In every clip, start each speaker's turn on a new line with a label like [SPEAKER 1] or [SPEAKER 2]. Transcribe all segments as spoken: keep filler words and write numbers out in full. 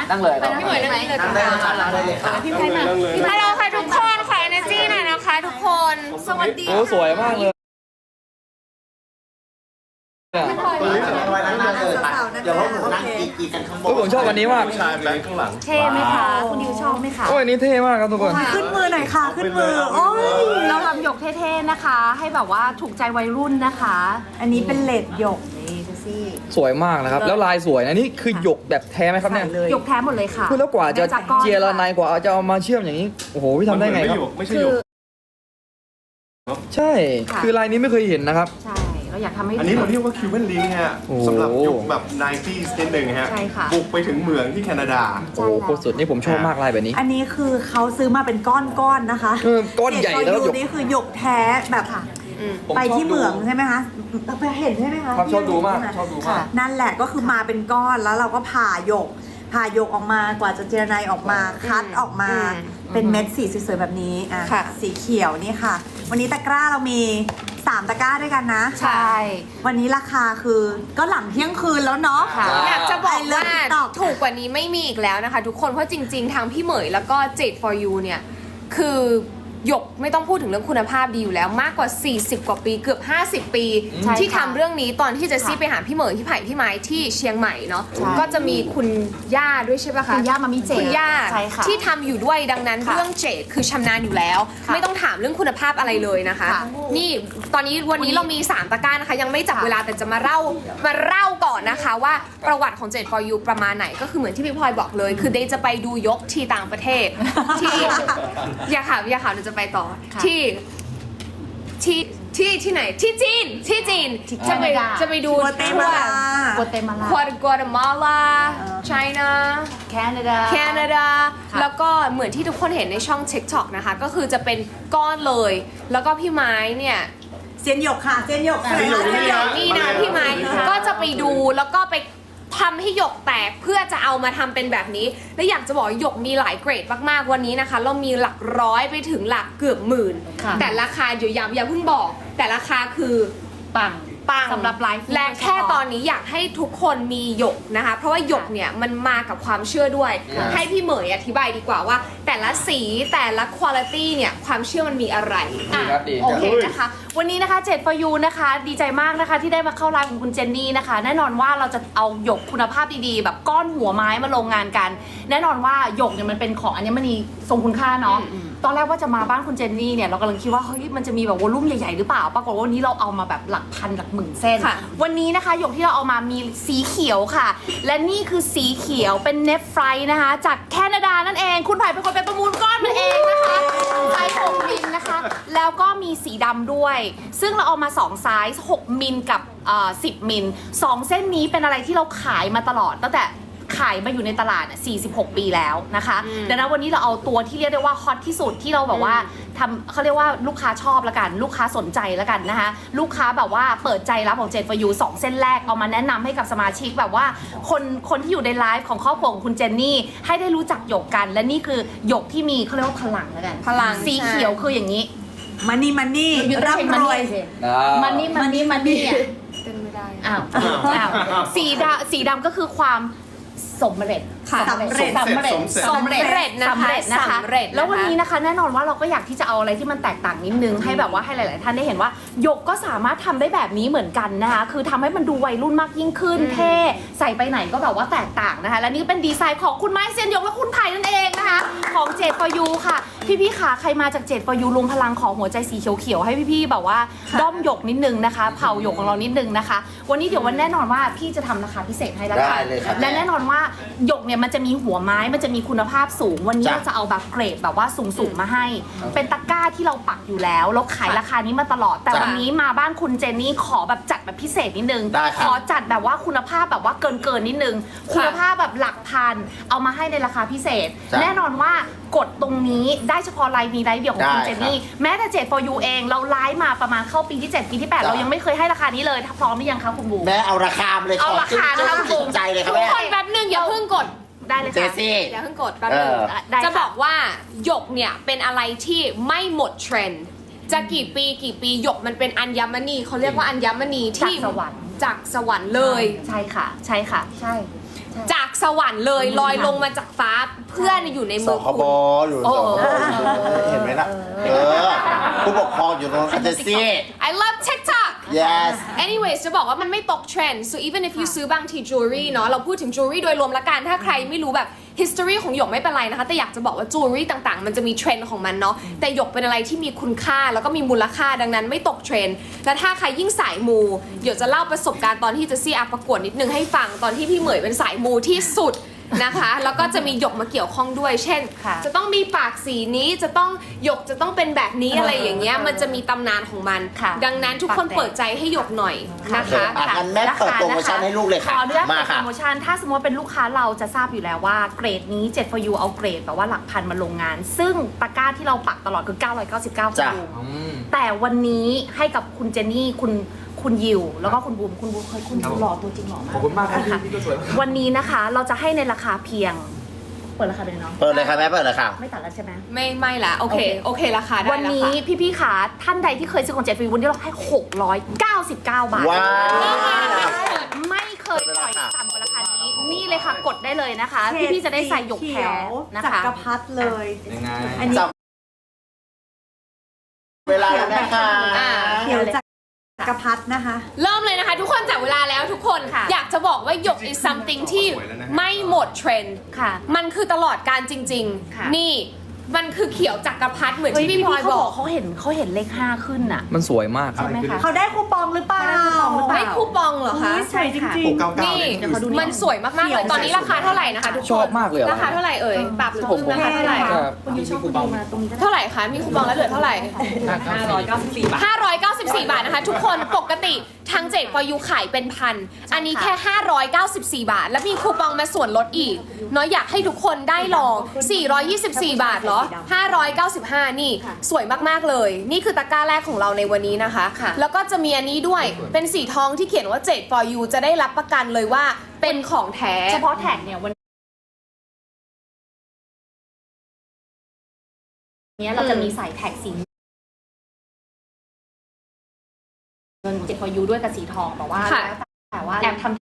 [SPEAKER 1] นั่งเลย
[SPEAKER 2] พี่เหมยนั่งเลย
[SPEAKER 3] นั่งได้เลยค่ะนั่งได้เลยค่ะ
[SPEAKER 2] พี่ไพมาฮัลโหลค่ะทุกคนขอ energy หน่อยนะคะทุกคนสวัสดี
[SPEAKER 1] โอ้สวยมากเลย
[SPEAKER 3] ตัวนี้สวยนั่งได้เลยค่ะเดี๋ยวพวกหนูนั่งกีกันข้างบน
[SPEAKER 1] โอ้ผมชอบวันนี้มาก
[SPEAKER 4] ชายแบงค์ข้างหลัง
[SPEAKER 2] เท่ไหมคะคุณดิวชอบไหมคะ
[SPEAKER 1] โอ้ยอันนี้เท่มากครับทุกคน
[SPEAKER 5] ขึ้นมือหน่อยค่ะ ขึ้นมือ โอ้ย
[SPEAKER 2] เราทำหยกเท่ๆนะคะ ให้แบบว่าถูกใจวัยรุ่นนะคะ
[SPEAKER 5] อันนี้เป็นเลดหยกนี่ดูสิ
[SPEAKER 1] สวยมากนะครับ แล้วลายสวยนะนี่คือหยกแบบแท้ไหมครับเนี่ย
[SPEAKER 5] ใส่เลย
[SPEAKER 2] หยกแท้หมดเลยค่ะ
[SPEAKER 1] คือแล้วกว่าจะ
[SPEAKER 2] ได้จากก้อน
[SPEAKER 1] เจียระไนกว่าจะเอามาเชื่อมอย่างนี้โอ้โหพี่ทำได้ไงครับ
[SPEAKER 4] ไม่ใช่
[SPEAKER 2] คื
[SPEAKER 4] หย
[SPEAKER 2] อก
[SPEAKER 1] ใช่
[SPEAKER 2] ค่ะ
[SPEAKER 1] คือลายนี้ไม่เคยเห็นนะครับ
[SPEAKER 2] ใช่เราอยากทำให้
[SPEAKER 4] อันนี้เราเรียกว่าคิวเบนลิงฮะ
[SPEAKER 1] โอ้
[SPEAKER 4] สำหรับยุคแบบไนตี้นิดหนึ่งฮะ
[SPEAKER 2] ใช่ค่ะ
[SPEAKER 4] บุกไปถึงเหมืองที่แคนาดา
[SPEAKER 1] โอ้โหโคตรสุดนี่ผมชอบมากลายแบบนี้
[SPEAKER 5] อันนี้คือเขาซื้อมาเป็นก้อนๆนะคะ
[SPEAKER 1] เออก้อนใหญ่แล้วหยก
[SPEAKER 5] นี่คือหยกแท้แบบ
[SPEAKER 2] ค่ะอืม
[SPEAKER 1] ผม
[SPEAKER 5] ไป
[SPEAKER 1] ชอบ
[SPEAKER 5] ที่เหมือง
[SPEAKER 1] ดู
[SPEAKER 5] ใช่ไหมคะไปเห็นใช่ไหมคะ
[SPEAKER 1] ครับชอบดูมาก
[SPEAKER 5] ใไห
[SPEAKER 1] ชอบดูมาก
[SPEAKER 5] ค่ะนั่นแหละก็คือมาเป็นก้อนแล้วเราก็ผ่าหยกผ่าหยกออกมากว่าจะเจรไนออกมาคัดออกมา
[SPEAKER 2] อืม
[SPEAKER 5] เป็นเม็ดสีสวยๆแบบนี้อ่ะ
[SPEAKER 2] ค่ะ
[SPEAKER 5] สีเขียวนี่ค่ะ วันนี้ตะกร้าเรามีสามตะกร้าด้วยกันนะ
[SPEAKER 2] ใช่
[SPEAKER 5] วันนี้ราคาคือก็หลังเที่ยงคืนแล้วเนาะ
[SPEAKER 2] ค่ะ
[SPEAKER 1] อ่า
[SPEAKER 2] อยากจะบอกว่า
[SPEAKER 5] ไอเลิฟ TikTok
[SPEAKER 2] ถูกกว่านี้ไม่มีอีกแล้วนะคะ ทุกคนเพราะจริง ๆ ทางพี่เหมยแล้วก็เจ็ด for you เนี่ย คือหยกไม่ต้องพูดถึงเรื่องคุณภาพดีอยู่แล้วมากกว่า สี่สิบ กว่าปีเกือบ ห้าสิบ ปี
[SPEAKER 5] ใช่
[SPEAKER 2] ที่
[SPEAKER 5] ค่ะ
[SPEAKER 2] ทำเรื่องนี้ตอนที่เจะซี่
[SPEAKER 5] ค่ะ
[SPEAKER 2] ไปหาพี่เหมยพี่ไผ่พี่ไม้ที่เชียงใหม่เนาะ
[SPEAKER 5] ใช่
[SPEAKER 2] ก็จะมีคุณย่าด้วยใช่ปะคะ
[SPEAKER 5] คุณย่ามามิเจ
[SPEAKER 2] คุณย่า
[SPEAKER 5] ใช่ค่ะ
[SPEAKER 2] ที่ทำอยู่ด้วยดังนั้น
[SPEAKER 5] ค่ะ
[SPEAKER 2] เรื่องเจดคือชำนาญอยู่แล้ว
[SPEAKER 5] ค่ะ
[SPEAKER 2] ไม่ต้องถามเรื่องคุณภาพอะไรเลยนะคะ
[SPEAKER 5] ค่ะ
[SPEAKER 2] นี่ตอนนี้วันนี้เรามีสามตะกร้านะคะ ยังไม่จับเวลาแต่จะมาเล่ามาเล่าก่อนนะคะว่าประวัติของเจ็ด for you ประมาณไหนก็คือเหมือนที่พี่พลอยบอกเลย คือเดย์จะไปดูยกที่ต่างประเทศ ที่อย่าถามอย่าถามเดี๋ยวจะไปต่อ
[SPEAKER 5] ค่ะ
[SPEAKER 2] ที่ที่ที่ที่ไหนที่จีนที่จีนจะไปจะไปดู
[SPEAKER 5] กัวเตมาลา
[SPEAKER 2] กัวเตมาลากัวเตมาลา
[SPEAKER 5] เออ
[SPEAKER 2] ไชน่า
[SPEAKER 5] แคนาดา
[SPEAKER 2] แคนาดา
[SPEAKER 5] ค่ะ
[SPEAKER 2] แล้วก็เหมือนที่ทุกคนเห็นในช่อง TikTok นะคะ ก็คือจะเป็นก้อนเลย แล้วก็พี่ไม้เนี่ย
[SPEAKER 5] เซียนหยกค่ะเซียนหยก
[SPEAKER 4] เซียนหยก
[SPEAKER 2] เดี๋ยวนี่นะพี่ไม้ก็จะไปดูแล้วก็ไปทำให้หยกแตกเพื่อจะเอามาทำเป็นแบบนี้ และอยากจะบอกว่าหยกมีหลายเกรดมากๆวันนี้นะคะ เรามีหลักร้อยไปถึงหลักเกือบหมื่น
[SPEAKER 5] ค่ะ
[SPEAKER 2] แต่ราคาเดี๋ยวย้ำอย่าเพิ่งบอก แต่ราคาคือ
[SPEAKER 5] ปัง
[SPEAKER 2] ปัง
[SPEAKER 5] สำหรับไลฟ์
[SPEAKER 2] และแค่ตอนนี้อยากให้ทุกคนมีหยกนะคะ เพราะว่าหยกเนี่ยมันมากับความเชื่อด้วย
[SPEAKER 1] ค่ะ
[SPEAKER 2] ให้พี่เหมยอธิบายดีกว่าว่า แต่ละสีแต่ละคุณภาพเนี่ยความเชื่อมันมีอะไร
[SPEAKER 1] ดีครับดี
[SPEAKER 6] โอเคนะคะ วันนี้นะคะเจ็ด for you นะคะ ดีใจมากนะคะที่ได้มาเข้าไลฟ์ของคุณเจนนี่นะคะ แน่นอนว่าเราจะเอาหยกคุณภาพดีๆ แบบก้อนหัวไม้มาลงงานกัน แน่นอนว่าหยกเนี่ยมันเป็นของอัญมณีทรงคุณค่าเนาะ ตอนแรกว่าจะมาบ้านคุณเจนนี่เนี่ยเรากำลังคิดว่าเฮ้ยมันจะมีแบบวอลลุ่มใหญ่ๆหรือเปล่า ปรากฏว่าวันนี้เราเอามาแบบหลักพันหลักหมื่นเส้น
[SPEAKER 2] ค่ะ
[SPEAKER 6] วันนี้นะคะหยกที่เราเอามามีสีเขียวค่ะ และนี่คือสีเขียวเป็นเนฟไฟนะคะ จากแคนาดานั่นเอง คุณไผ่เป็นคนไปประมูลก้อนมันเองนะคะไซส์หกมิลนะคะ แล้วก็มีสีดำด้วย ซึ่งเราเอามาสองไซส์หกมิลกับเอ่อสิบมิลสองเส้นนี้เป็นอะไรที่เราขายมาตลอดตั้งแต่ขายมาอยู่ในตลาดสี่สิบหกปีแล้วนะคะดังนั้นวันนี้เราเอาตัวที่เรียกได้ว่าฮอตที่สุดที่เราแบบว่าทำเขาเรียกว่าลูกค้าชอบละกัน ลูกค้าสนใจละกันนะคะลูกค้าแบบว่าเปิดใจรับของเจ็ด for you สองเส้นแรกเอามาแนะนำให้กับสมาชิกแบบว่าคนคนที่อยู่ในไลฟ์ของครอบครัวของคุณเจนนี่ให้ได้รู้จักหยกกัน และนี่คือหยกที่มีเขาเรียกว่าพลังละกัน
[SPEAKER 2] พลัง
[SPEAKER 6] สี
[SPEAKER 2] ใช่
[SPEAKER 6] เขียวคืออย่างนี้
[SPEAKER 5] มันนี่มันนี่
[SPEAKER 6] อยู่ต้องใช้
[SPEAKER 5] ร่ำรวย
[SPEAKER 6] มันนี่มันนี่มันนี่อ่ะ
[SPEAKER 2] เต้นไม่ได้
[SPEAKER 6] อ้าวอ้าวสีดำสีดำก็คือความสำเร็จ
[SPEAKER 2] ค่ะ
[SPEAKER 6] สำเร็จ
[SPEAKER 4] สำเร็จ
[SPEAKER 6] สำเร็จ
[SPEAKER 2] สำเร็จนะคะ
[SPEAKER 6] สำเร็จนะคะ
[SPEAKER 2] สำเร็จนะคะ
[SPEAKER 6] แล้ววันนี้นะคะแน่นอนว่าเราก็อยากที่จะเอาอะไรที่มันแตกต่างนิดนึงให้แบบว่าให้หลาย ๆ ท่านได้เห็นว่าหยกก็สามารถทำได้แบบนี้เหมือนกันนะคะคือทำให้มันดูวัยรุ่นมากยิ่งขึ้นเท่ใส่ไปไหนก็แบบว่าแตกต่างนะคะและนี่เป็นดีไซน์ของคุณไม้เซียนหยกและคุณไผ่นั่นเองนะคะของเจ็ด for you ค่ะพี่ๆค่ะใครมาจากเจ็ด for you รวมพลังของหัวใจสีเขียวๆให้พี่ๆแบบว่าด้อมหยกนิดนึงนะคะเผาหยกของเรานิดนึงนะคะวันนี้เดี๋ยววันแน่นอนว่าพี่จะทำราคาพิเศษให้แล้วค่ะ
[SPEAKER 3] ได้เลยครับ
[SPEAKER 6] และแน่นอนว่าหยกเนี่ยมันจะมีหัวไม้มันจะมีคุณภาพสูง วันนี้
[SPEAKER 3] จ้ะ
[SPEAKER 6] เราจะเอาแบบเกรดแบบว่าสูงๆมาให้ เป็นตะกร้าที่เราปักอยู่แล้วเราขายราคานี้มาตลอด แต่
[SPEAKER 3] จ้ะ
[SPEAKER 6] วันนี้มาบ้านคุณเจนนี่ขอแบบจัดแบบพิเศษนิดนึง
[SPEAKER 3] ได้ครับ
[SPEAKER 6] ขอจัดแบบว่าคุณภาพแบบว่าเกินเกินๆนิดนึง คุณภาพแบบหลักพันเอามาให้ในราคาพิเศษ
[SPEAKER 3] จ้ะ
[SPEAKER 6] แน่นอนว่ากดตรงนี้ได้เฉพาะไลฟ์นี้ไลฟ์เดียวของคุณ
[SPEAKER 3] ได้
[SPEAKER 6] เจนนี่
[SPEAKER 3] ครับ
[SPEAKER 6] แม้แต่เจ็ด for you เองเราไลฟ์มาประมาณเข้าปีที่เจ็ดปีที่แปด
[SPEAKER 3] จ้ะ
[SPEAKER 6] เรายังไม่เคยให้ราคานี้เลยถ้าพร้อมหรือยังคะคุณบู
[SPEAKER 3] แม่เอาราคามาเลย
[SPEAKER 6] เอา
[SPEAKER 3] ขอ
[SPEAKER 6] ราคานะคะ
[SPEAKER 3] จุดใจเลยครับ
[SPEAKER 2] ทุก
[SPEAKER 3] แม่
[SPEAKER 2] คนแป๊บนึงอย่าเพิ่งกด
[SPEAKER 6] ได้เลย
[SPEAKER 3] เจ
[SPEAKER 6] ค่ะ
[SPEAKER 3] ซี่
[SPEAKER 2] อย่าเพิ่งกดแป๊บนึง
[SPEAKER 3] เออ
[SPEAKER 6] ได้ค่ะ
[SPEAKER 2] จะบอกว่าหยกเนี่ยเป็นอะไรที่ไม่หมดเทรนด์จะกี่ปีกี่ปีหยกมันเป็นอัญมณีเขาเรียกว่าอัญมณีที่
[SPEAKER 6] จากสวรรค์
[SPEAKER 2] จากสวรรค์เลย
[SPEAKER 6] ใช่ค่ะ ใช่ค่ะ ใช่
[SPEAKER 2] จากสวรรค์เลยลอยลงมาจากฟ้าเพื่อนอยู่ใน
[SPEAKER 3] ส
[SPEAKER 2] มือ
[SPEAKER 3] ค
[SPEAKER 2] คุ
[SPEAKER 3] บ
[SPEAKER 2] ณ
[SPEAKER 3] อยู่
[SPEAKER 2] โอ้
[SPEAKER 3] สคบเห็นไหมล่ะ เออ ผู้ปกครองอยู่ตรงนั้นจะซี่
[SPEAKER 2] I love TikTok
[SPEAKER 3] yes
[SPEAKER 2] anyways จะบอกว่ามันไม่ตกเทรนด์ so even if you ซื้อบางที jewelry เนาะเราพูดถึง jewelry โดยรวมละกันถ้าใครไม่รู้แบบ history ของหยกไม่เป็นไรนะคะแต่อยากจะบอกว่า jewelry ต่างๆ มันจะมีเทรนด์ของมันเนาะแต่หยกเป็นอะไรที่มีคุณค่าแล้วก็มีมูลค่าดังนั้นไม่ตกเทรนด์และถ้าใครยิ่งสายมูหยกจะเล่าประสบการณ์ตอนที่จะซี่อาประกวดนิดนึงให้ฟังตอนที่พี่เหมยเป็นสายมูที่สุดนะคะแล้วก็จะมีหยกมาเกี่ยวข้องด้วยเช่น
[SPEAKER 6] ค่ะ
[SPEAKER 2] จะต้องมีปากสีนี้จะต้องหยกจะต้องเป็นแบบนี้อะไรอย่างเงี้ยมันจะมีตำนานของมัน
[SPEAKER 6] ค่ะ
[SPEAKER 2] ดังนั้นทุกคนเปิดใจให้หยกหน่อยนะคะ
[SPEAKER 3] อ่ะงั้นแม่เปิดโปรโมชั่นให้ลูกเลย
[SPEAKER 6] ข
[SPEAKER 3] ค่ะ
[SPEAKER 6] ออนุญาต
[SPEAKER 3] มา
[SPEAKER 6] เปิดโป
[SPEAKER 3] ค่ะ
[SPEAKER 6] รโมชั่นถ้าสมมติว่าเป็นลูกค้าเราจะทราบอยู่แล้วว่าเกรดนี้เจ็ด for you เอาเกรดแบบว่าหลักพันมาลงงาน ซึ่งตะกร้าที่เราปักตลอดคือเก้าร้อยเก้าสิบเก้า
[SPEAKER 3] จ้ะ
[SPEAKER 6] บูมแต่วันนี้ให้กับคุณเจนนี่คุณคุณยิวแล้วก็คุณบูมคุณบูมเคยคุณบูมหล่อตัวจริงหล่อมาก
[SPEAKER 1] ขอบคุณมากครับพี่
[SPEAKER 6] ค่ะ
[SPEAKER 1] พี่ก็สวยมาก
[SPEAKER 6] วันนี้นะคะเราจะให้ในราคาเพียง เปิดราคาเลยเนาะ
[SPEAKER 3] เปิดเลยค่ะแม่เปิดเลยค่ะ
[SPEAKER 6] ไม่ตัดแล้วใช่ไหม
[SPEAKER 2] ไม่ไม่ละโอเค
[SPEAKER 6] โอเค
[SPEAKER 2] โอเคราคาได้
[SPEAKER 6] วัน
[SPEAKER 2] แล้ว
[SPEAKER 6] นี้
[SPEAKER 2] ค่ะ
[SPEAKER 6] พี่ๆขาท่านใดที่เคยซื้อของเจ็ดฟรีวันนี้เราให้หกร้อยเก้าสิบเก้าบาท
[SPEAKER 3] ว้าว
[SPEAKER 6] ไม่เคยปล่อยต่ำกว่าราคานี้ นี่เลยค่ะกดได้เลยนะคะ พี่ๆจะได้ใส่หยกแท้นะ
[SPEAKER 5] จั
[SPEAKER 6] คะ
[SPEAKER 5] กรพรรดิเลย
[SPEAKER 1] ยังไง
[SPEAKER 5] อันนี้
[SPEAKER 3] จับเวลาแล้วแม่ค่ะ
[SPEAKER 2] อ่า
[SPEAKER 5] เขียวจักรพรรดินะคะ
[SPEAKER 2] เริ่มเลยนะคะ ทุกคนจับเวลาแล้วทุกคน
[SPEAKER 6] ค่ะ
[SPEAKER 2] อยากจะบอกว่าหยก is something ที่ไม่หมดเทรนด์
[SPEAKER 6] ค่ะ
[SPEAKER 2] มันคือตลอดการจริง
[SPEAKER 6] ค่ะ
[SPEAKER 2] ๆ นี่มันคือเขียวจักรพรรดิเหมือน
[SPEAKER 6] เฮ้ย
[SPEAKER 2] ที่พี่พลอย
[SPEAKER 6] เขา
[SPEAKER 2] บบ อ
[SPEAKER 6] อก กเขาเห็นเขาเห็นเลขห้าขึ้นน่ะ
[SPEAKER 1] มันสวยมากครับ
[SPEAKER 6] ใช่ไหมคะ
[SPEAKER 5] เขาได้คูปองหรือเปล่า
[SPEAKER 6] เขาได้คูปองหรือเปล่า
[SPEAKER 2] ไม่คูปองเหรอคะ
[SPEAKER 5] อุ๊ยสวยจริง
[SPEAKER 4] หกเก้าเก้า
[SPEAKER 2] นี่
[SPEAKER 4] เลย
[SPEAKER 6] เดี๋ยวเขาดู
[SPEAKER 2] มันสวยมากๆเลยตอนนี้ราคาเท่าไหร่นะคะทุกคน
[SPEAKER 1] ชอบมากเลยอะ
[SPEAKER 2] ราคาเท่าไหร่เอ่ยปรับหรือ
[SPEAKER 1] ผมผม
[SPEAKER 2] ราคาเท่าไหร่
[SPEAKER 1] ก็
[SPEAKER 6] คุณยูชอบคุณดูมาตรงนี้ก็ได้
[SPEAKER 2] เท่าไหร่คะมีคูปองแล้วเหลือเท่าไหร่
[SPEAKER 1] ห้าร้อยเก้าสิบสี่บาท
[SPEAKER 2] ห้าร้อยเก้าสิบสี่บาทนะคะ ทุกคนปกติทางเจ็ดพอยูขายเป็นพันอันนี้แค่ห้าร้อยเก้าสิบสี่บาท แล้วมีคูปองมาส่วนลดอีกเนาะอยากให้ทุกคนได้ลองสี่ร้อยยี่สิบสี่บาทเหรอห้าร้อยเก้าสิบห้านี่สวยมากๆเลย นี่คือตะกร้าแรกของเราในวันนี้นะคะ
[SPEAKER 6] ค่ะ
[SPEAKER 2] แล้วก็จะมีอันนี้ด้วยเป็นสีทองที่เขียนว่าเจ็ด for you จะได้รับประกันเลยว่าเป็นของแท้
[SPEAKER 6] เฉพาะแท็กเนี่ยวันนี้เราจะมีใส่แท็กสีเงินเจ็ด for you ด้วยกับสีทองแต่ว่า
[SPEAKER 2] ค่ะ
[SPEAKER 6] แล้วแต่ว่าแอบทำ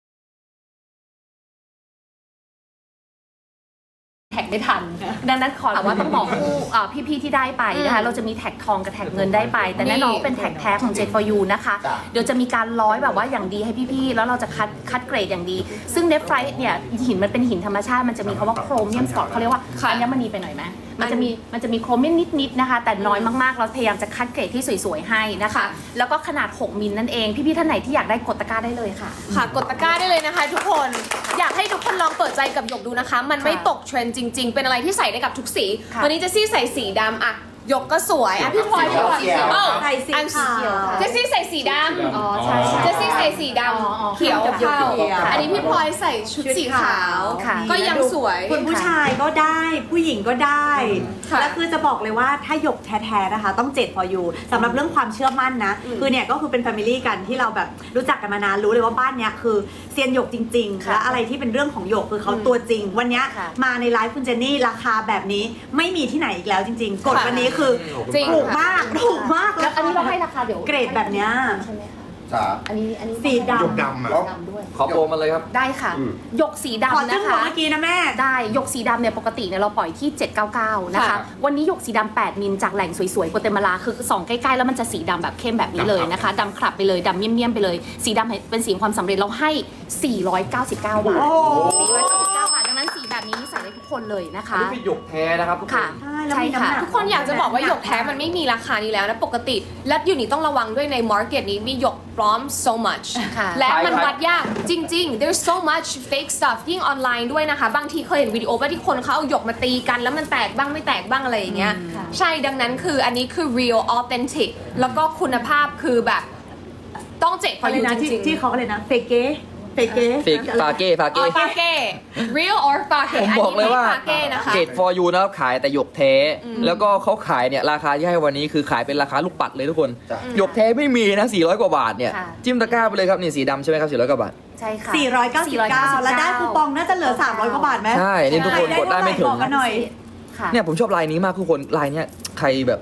[SPEAKER 6] แท็กไม่ทัน ดังนั้นขอแต่ว่าต้องบอกผู้อ่าพี่ๆที่ได้ไปนะคะ เราจะมีแท็กทองกับแท็กเงินได้ไป แต่แน่นอนว่าเป็นแท็กแท้ของเจ็ด for you นะคะ
[SPEAKER 3] จ้ะ
[SPEAKER 6] เดี๋ยวจะมีการร้อยแบบว่าอย่างดีให้พี่ๆ แล้วเราจะคัดคัดเกรดอย่างดี ซึ่งเนฟไฟเนี่ยหินมันเป็นหินธรรมชาติ มันจะมีคำว่าโครเมียมสปอตเขาเรียกว่า
[SPEAKER 2] ค่ะ
[SPEAKER 6] อัญมณีไปหน่อยไหมมันจะมีมันจะมีโครเมียมนิดๆนะคะ แต่น้อยมากๆ เราพยายามจะคัดเกรดที่สวยๆให้นะคะ แล้วก็ขนาดหกมิลนั่นเอง พี่ๆ ท่านไหนที่อยากได้กดตะกร้าได้เลยค่ะ
[SPEAKER 2] ค่ะกดตะกร้าได้เลยนะคะ ทุกคนอยากให้ทุกคนลองเปิดใจกับหยกดูนะคะ มันไม่ตกเทรนด์จริง ๆ เป็นอะไรที่ใส่ได้กับทุกสี
[SPEAKER 6] ค่ะ
[SPEAKER 2] วันนี้เจสซี่ใส่สีดำอะหยกก็สวยอะพี่พลอยพี่พลอย
[SPEAKER 3] สีเขียว
[SPEAKER 2] เอ้า
[SPEAKER 5] ใส่สี
[SPEAKER 2] อัน
[SPEAKER 5] ขาว
[SPEAKER 2] เจสซี่ใส่สีดำ
[SPEAKER 6] อ๋อใช่ใช่
[SPEAKER 2] เจสซี่ใส่สีด
[SPEAKER 6] อ๋ออ๋อ
[SPEAKER 2] ำเขียว
[SPEAKER 5] เขียว
[SPEAKER 2] เข้า
[SPEAKER 5] เขียว
[SPEAKER 2] อันนี้พี่พลอยใส่ชุดสีขาว
[SPEAKER 6] ค่ะ
[SPEAKER 2] ก็ยังสวย
[SPEAKER 5] คุณผู้ชายก็ได้ผู้หญิงก็ได้
[SPEAKER 2] ค่ะ
[SPEAKER 5] และคือจะบอกเลยว่าถ้าหยกแท้ๆนะคะ ต้องเจ็ด for you สำหรับเรื่องความเชื่อมั่นนะ คือเนี่ยก็คือเป็นแฟมิลี่กันที่เราแบบรู้จักกันมานานรู้เลยว่าบ้านเนี้ยคือเซียนหยกจริงๆ
[SPEAKER 6] ค่ะ
[SPEAKER 5] และอะไรที่เป็นเรื่องของหยกคือเขาตัวจริง วันเนี้ย
[SPEAKER 6] ค่ะ
[SPEAKER 5] มาในไลฟ์คุณเจนนี่ราคาแบบนี้ไม่มีที่ไหนอีกแล้วจริง ๆ กด
[SPEAKER 2] ค่ะ
[SPEAKER 5] วันนี้คือ
[SPEAKER 2] จริง
[SPEAKER 5] ถูกมากถูกมาก
[SPEAKER 6] แล้วอันนี้เราให้ราคาเดี๋ยว
[SPEAKER 5] เกรดแบบเนี้ย
[SPEAKER 6] ใช่ไหมคะ
[SPEAKER 3] จ้า
[SPEAKER 6] อันนี้อันนี้
[SPEAKER 5] สีดำ
[SPEAKER 4] หยกดำอะ
[SPEAKER 6] ดำด้วย
[SPEAKER 1] ขอโปรมาเลยครับ
[SPEAKER 6] ได้ค่ะ
[SPEAKER 3] อืม
[SPEAKER 6] หยกสี
[SPEAKER 5] ขอ
[SPEAKER 6] ดำ
[SPEAKER 5] จุ้
[SPEAKER 6] นะ
[SPEAKER 5] มหัว
[SPEAKER 6] คะ
[SPEAKER 5] เมื่อกี้นะแม่
[SPEAKER 6] ได้หยกสีดำเนี่ยปกติเนี่ยเราปล่อยที่เจ็ดเก้าเก้านะคะ
[SPEAKER 2] ค่ะ
[SPEAKER 6] วันนี้หยกสีดำแปดมิลจากแหล่งสวยๆโกเตมาลาคือส่องใกล้ๆแล้วมันจะสีดำแบบเข้มแบบนี้เลยนะคะดำขลับไปเลยดำเมี่ยมๆไปเลย สีดำเป็นสีความสำเร็จเราให้ สี่ร้อยเก้าสิบเก้า บาท
[SPEAKER 5] โอ้
[SPEAKER 6] สี่ร้อยเก้าสิบเก้าบาทดังนั้นสีแบบนี้ใส่ได้ทุกคนเลยนะ
[SPEAKER 1] อัน
[SPEAKER 6] คะ
[SPEAKER 1] นี้เป็นหยกแท้นะครับทุกคน
[SPEAKER 6] ค่ะ
[SPEAKER 5] ใช่แล้ว
[SPEAKER 6] ใช่
[SPEAKER 5] มีน้ำห
[SPEAKER 6] ค่ะ
[SPEAKER 5] นัก
[SPEAKER 2] ทุกคนอยากจะบอกว่าหยกแท้มันไม่มีราคานี้แล้วนะปกติ และอยู่นี่ต้องระวังด้วยในมาร์เก็ตนี้มีหยกปลอม so much
[SPEAKER 6] ค่ะ
[SPEAKER 2] และมัน
[SPEAKER 1] ใช่
[SPEAKER 2] วัดยากจริง ๆ there's so much fake stuff ยิ่งออนไลน์ด้วยนะคะ บางทีเคยเห็นวิดีโอว่าที่คนเขาเอาหยกมาตีกัน แล้วมันแตกบ้างไม่แตกบ้างอะไรอย่างเงี้ย
[SPEAKER 6] ค่ะ
[SPEAKER 2] ใช่ดังนั้นคืออันนี้คือ real authentic แล้วก็คุณภาพคือแบบต้องเจ็ดพอ
[SPEAKER 5] อะไร
[SPEAKER 2] อยู่
[SPEAKER 5] นะ
[SPEAKER 2] จ
[SPEAKER 5] ที่
[SPEAKER 2] ริงๆ
[SPEAKER 5] ที่เขาอะไรนะเฟเก้เฟเก้
[SPEAKER 1] เฟกฟาเก้ฟา
[SPEAKER 2] ออ
[SPEAKER 1] เก้
[SPEAKER 2] ฟาเก้ real or ฟาเก้
[SPEAKER 1] ผมบอกเลยว่า
[SPEAKER 2] ฟาเก้นะคะ
[SPEAKER 1] เกต for you นะครับขายแต่หยกแท้ แล้วก็เขาขายเนี่ยราคาที่ให้วันนี้คือขายเป็นราคาลูกปัดเลยทุกคน
[SPEAKER 3] จ้ะ
[SPEAKER 1] หยกแท้ไม่มีนะสี่ร้อยกว่าบาทเนี่ย
[SPEAKER 6] ค่ะ
[SPEAKER 1] จิ้มตะกร้าไปเลยครับนี่สีดำใช่ไหมครับสี่ร้อยกว่าบาท
[SPEAKER 6] ใช่ค่ะ
[SPEAKER 5] สี่ร้อยเก้าสิบเก้าแล้วได้คูปองน่าจะเหลือสามร้อยกว่าบาทไหม
[SPEAKER 1] ใช่นี่ทุกคนกดได้ไม่ถึง
[SPEAKER 5] บอกกันหน่อย
[SPEAKER 6] ค่ะ
[SPEAKER 1] เนี่ยผมชอบลายนี้มากทุกคนลายเนี้ยใครแบบ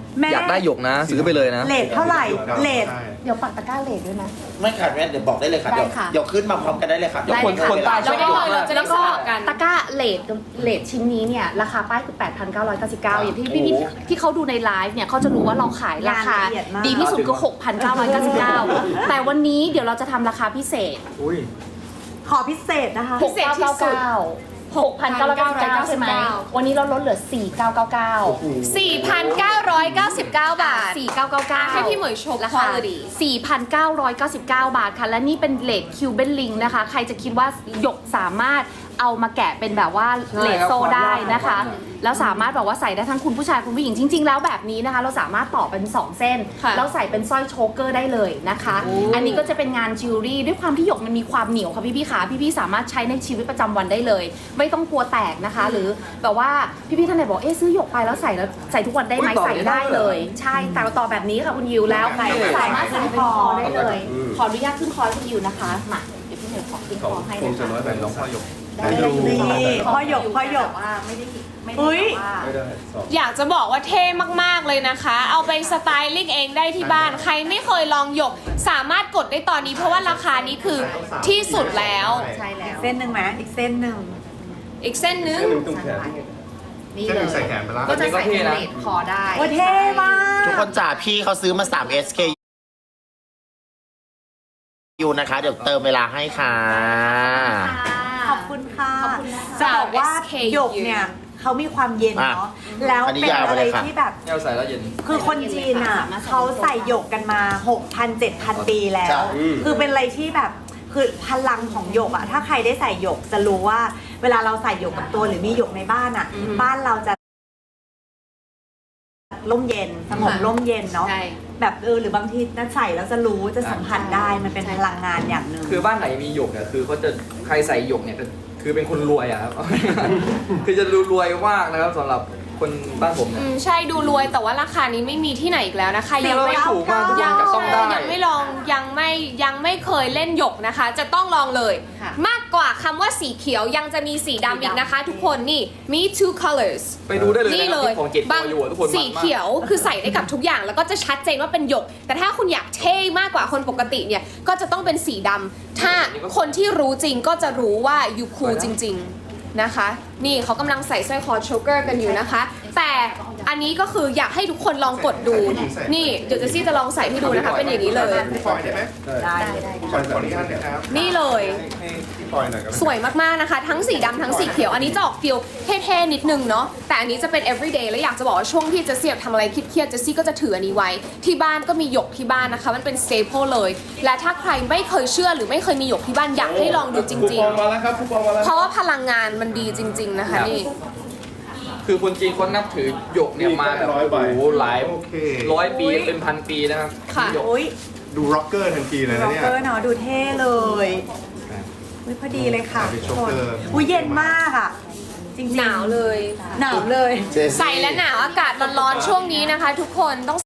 [SPEAKER 5] แม่
[SPEAKER 1] อยากได้หยกนะ ซื้อไปเลยนะ
[SPEAKER 5] เลทเท่าไหร่เลท
[SPEAKER 4] ใช่
[SPEAKER 6] เดี๋ยวปักตะกร้าเลทด้วยนะ
[SPEAKER 3] ไม่ขาดแม่เดี๋ยวบอกได้เลยค่ะ
[SPEAKER 6] ได้
[SPEAKER 3] เดี๋ยว
[SPEAKER 6] ค่ะ
[SPEAKER 3] เดี๋ยวขึ้นมาพร้อมกันได้เลยค่ะ
[SPEAKER 1] เดี๋ยวคนคนใต้ชอบ
[SPEAKER 2] เราได้เลยเราจะได้
[SPEAKER 6] แล้วก็
[SPEAKER 2] สลับกัน
[SPEAKER 6] ตะกร้าเลทเลทชิ้นนี้เนี่ยราคาป้ายคือ แปดพันเก้าร้อยเก้าสิบเก้า อย่างที่พี่พี่ที่เขาดูในไลฟ์เนี่ยเขาจะรู้ว่าเราขายราคา
[SPEAKER 5] งานละเอียดมาก
[SPEAKER 6] ดีที่สุดคือ หกพันเก้าร้อยเก้าสิบเก้า แต่วันนี้เดี๋ยวเราจะทำราคาพิเศษ
[SPEAKER 1] อุ้ย
[SPEAKER 5] ขอพิเศษนะคะ
[SPEAKER 2] พิเศษที่สุด
[SPEAKER 6] หกพันเก้าร้อยเก้าสิบเก้า ใช่ไหม วันนี้เราลดเหลือ สี่พันเก้าร้อยเก้าสิบเก้า
[SPEAKER 2] สี่พันเก้าร้อยเก้าสิบเก้า บาท
[SPEAKER 6] สี่พันเก้าร้อยเก้าสิบเก้า
[SPEAKER 2] ให้พี่เหมยโชว์
[SPEAKER 6] ราคา
[SPEAKER 2] quality
[SPEAKER 6] สี่พันเก้าร้อยเก้าสิบเก้า บาทค่ะ และนี่เป็นเลดคิวเบนลิงนะคะ ใครจะคิดว่าหยกสามารถเอามาแกะเป็นแบบว่า
[SPEAKER 1] ใช่
[SPEAKER 6] เลด
[SPEAKER 1] ครับ
[SPEAKER 6] โซ่ได้นะคะ
[SPEAKER 1] ความยาก
[SPEAKER 6] แล้วสามารถแบบว่าใส่ได้ทั้งคุณผู้ชายคุณผู้หญิงจริง ๆ แล้วแบบนี้นะคะ เราสามารถต่อเป็นสองเส้น
[SPEAKER 2] ค่ะ
[SPEAKER 6] แล้วใส่เป็นสร้อยโชเกอร์ได้เลยนะคะ อันนี้ก็จะเป็นงานจิวเวลรี่ด้วยความที่หยกมันมีความเหนียวค่ะพี่ๆขาพี่ๆสามารถใช้ในชีวิตประจำวันได้เลย ไม่ต้องกลัวแตกนะคะ หรือแบบว่าพี่ๆท่านไหนบอกเอ๊ะซื้อหยกไปแล้วใส่แล้วใส่ทุกวันได้ไหม
[SPEAKER 1] อุ๊ยต่อ
[SPEAKER 6] ใส่
[SPEAKER 1] ได้
[SPEAKER 6] ได้
[SPEAKER 1] ด้วยเหรอ
[SPEAKER 6] เลย ใช่แต่ต่อแบบนี้ค่ะคุณยิวแล้ว
[SPEAKER 5] ใส่
[SPEAKER 6] สามารถใส่เป็นคอได้เลย
[SPEAKER 4] อืม
[SPEAKER 6] ขออนุญาตขึ้นคอให้คุณยิวนะคะมาเดี๋ยวพี่เหนือขอขึ้นค
[SPEAKER 4] เขา
[SPEAKER 6] อให้
[SPEAKER 4] คง
[SPEAKER 6] นะ
[SPEAKER 4] จะ
[SPEAKER 6] คะ
[SPEAKER 4] น้อยไปน้องพ่อหยก
[SPEAKER 6] ได้เลย
[SPEAKER 5] นี่พ่อหยกพ่อหยก
[SPEAKER 6] แต่ว่าไม่ได้ไม่ได้
[SPEAKER 5] อุ๊ย
[SPEAKER 6] แบบว่า
[SPEAKER 4] ไม่ได้สอบ
[SPEAKER 2] อยากจะบอกว่าเท่มาก ๆ เลยนะคะ เอาไปสไตลิ่งเองได้ที่บ้าน ใครไม่เคยลองหยก สามารถกดได้ตอนนี้ เพราะว่าราคานี้คือที่สุดแล้ว
[SPEAKER 6] ใช่แล้ว
[SPEAKER 5] เส้นหนึ่งไหมอีกเส้นหนึ่ง
[SPEAKER 2] อีกเส้นนึง
[SPEAKER 4] เส้นหนึ่งตรงแขน
[SPEAKER 6] นี่
[SPEAKER 4] เส้นห
[SPEAKER 6] เล
[SPEAKER 4] นึ่งใส่
[SPEAKER 6] ย
[SPEAKER 4] แขนไปแล้ว
[SPEAKER 6] ก็จะใส่
[SPEAKER 1] แบบนี้ก็เท่นะ
[SPEAKER 6] เลดคอได้
[SPEAKER 5] โอ้ยเท่มาก
[SPEAKER 3] ทุกคนจ่าพี่เขาซื้อมา สาม เอส เค ยูนะคะ เดี๋ยวเติมเวลาให้ค่ะ
[SPEAKER 5] ขอบคุณค่ะ
[SPEAKER 6] ขอบคุณนะคะ
[SPEAKER 5] จะบอกว่า
[SPEAKER 2] เอส เค
[SPEAKER 5] หยกเนี่ยเขามีความเย็นเนาะแล้ว
[SPEAKER 3] อันนี้
[SPEAKER 5] เป็น
[SPEAKER 3] ยาวไป
[SPEAKER 5] อะไร
[SPEAKER 3] เลยค่ะ
[SPEAKER 5] ที่แบบ
[SPEAKER 1] แนวใส่แล้วเย็น
[SPEAKER 5] คือคนจีนอ่ะเขาใส่หยกกันมา หกพัน เจ็ดพัน ปีแล้
[SPEAKER 3] ใช่
[SPEAKER 5] ว คือเป็นอะไรที่แบบคือพลังของหยกอ่ะ ถ้าใครได้ใส่หยกจะรู้ว่า เวลาเราใส่หยกกับตัวหรือมีหยกในบ้านอ่ะ บ้านเราจะร่มเย็นสงบร่มเย็นเนาะ
[SPEAKER 6] ใช่
[SPEAKER 5] แบบเออหรือบางทีน่าใส่แล้วจะรู้จะสัมผัสได้มันเป็นพลังงานอย่างหนึ่ง
[SPEAKER 1] คือบ้านไหนมีหยกเนี่ยคือเขาจะใครใส่หยกเนี่ยคือเป็นคนรวยอะครับ คือจะรวยมากนะครับสำหรับคนบ้านผม
[SPEAKER 2] อื
[SPEAKER 1] เนี่ย
[SPEAKER 2] มใช่ดูรวยแต่ว่าราคานี้ไม่มีที่ไหนอีกแล้วนะคะ
[SPEAKER 1] คือ
[SPEAKER 2] ยัง
[SPEAKER 1] เรา
[SPEAKER 2] ไม่
[SPEAKER 1] ไม่ถูกมากทุกค
[SPEAKER 2] ยั
[SPEAKER 1] น
[SPEAKER 2] ง
[SPEAKER 1] จะต้องได้
[SPEAKER 2] ยังไม่ลองยังไม่ยังไม่เคยเล่นหยกนะคะ จะต้องลองเลย
[SPEAKER 6] ค่ะ
[SPEAKER 2] มากกว่าคำว่าสีเขียวยังจะมีสีดำอีกนะคะ ทุกคนนี่มี two colors
[SPEAKER 1] ไปดูได้เลย
[SPEAKER 2] นี่
[SPEAKER 1] นะค
[SPEAKER 2] เล
[SPEAKER 1] รับ
[SPEAKER 2] ย
[SPEAKER 1] ที่ของเจ็ด
[SPEAKER 2] บาง
[SPEAKER 1] ตัวอยู่อะทุกคน
[SPEAKER 2] สีเขียวคือใส่ได้กับทุกอย่าง แล้วก็จะชัดเจนว่าเป็นหยก แต่ถ้าคุณอยากเท่มากกว่าคนปกติเนี่ยก็จะต้องเป็นสีดำถ้าคนที่รู้จริงก็จะรู้ว่ายูคูลจริง ๆนะคะ นี่เขากำลังใส่สร้อยคอโชเกอร์กันอยู่นะคะ แต่อันนี้ก็คืออยากให้ทุกคนลองกดดู นี่เดี๋ยวเจสซี่จะลองใส่ให้ดูนะคะ เป็นอย่างนี้เลย
[SPEAKER 4] พี่ปอยได้ไหม
[SPEAKER 5] ได้
[SPEAKER 6] ได้
[SPEAKER 4] พี่ปอยขออนุญาตนะครับ
[SPEAKER 2] นี่เลย
[SPEAKER 4] ให้พี่ปอยหน่อยก็ได้
[SPEAKER 2] สวยมากๆนะคะ ทั้งสีดำทั้งสีเขียว อันนี้จะออกฟิลเท่ๆนิดนึงเนาะแต่อันนี้จะเป็น everyday แล้วอยากจะบอกว่าช่วงที่เจสซี่ทำอะไรเครียดๆเจสซี่ก็จะถืออันนี้ไว้ ที่บ้านก็มีหยกที่บ้านนะคะ มันเป็น staple เลย และถ้าใครไม่เคยเชื่อหรือไม่เคยมีหยกที่บ้านอยากให้ลองดูจ
[SPEAKER 4] คู
[SPEAKER 2] ริ
[SPEAKER 4] ป
[SPEAKER 2] ง
[SPEAKER 4] องมาแล้วครับคูปองมาแล้ว
[SPEAKER 2] ๆ เพราะว่าพลังงานมันดีจริง ๆนะคะนี่
[SPEAKER 1] คือคนจีนเขานับถือหยกเนี่ยมาแบบ
[SPEAKER 4] ร้อยใบ
[SPEAKER 1] โอ้โหหลาย
[SPEAKER 4] โอเค
[SPEAKER 1] ร้อยปีเป็นพันปีนะครับ
[SPEAKER 2] ค่ะ
[SPEAKER 1] หยก
[SPEAKER 5] โอ้ย
[SPEAKER 4] ดูร็อกเกอร์ทันทีเลย
[SPEAKER 5] ร็
[SPEAKER 4] นะ
[SPEAKER 5] อก
[SPEAKER 4] เนี่ย
[SPEAKER 5] เกอร์เนาะดูเท่เลยอุ้ยพอดีเลยค่ะ
[SPEAKER 4] เป็นโชเกอร์
[SPEAKER 5] อุ้ยเย็นมากอ่ะ จริงๆ
[SPEAKER 2] หนาวเลย
[SPEAKER 5] หนาวเลย
[SPEAKER 2] ใส่และหนาวอากาศร้อนๆช่วงนี้นะคะ ทุกคนต้อง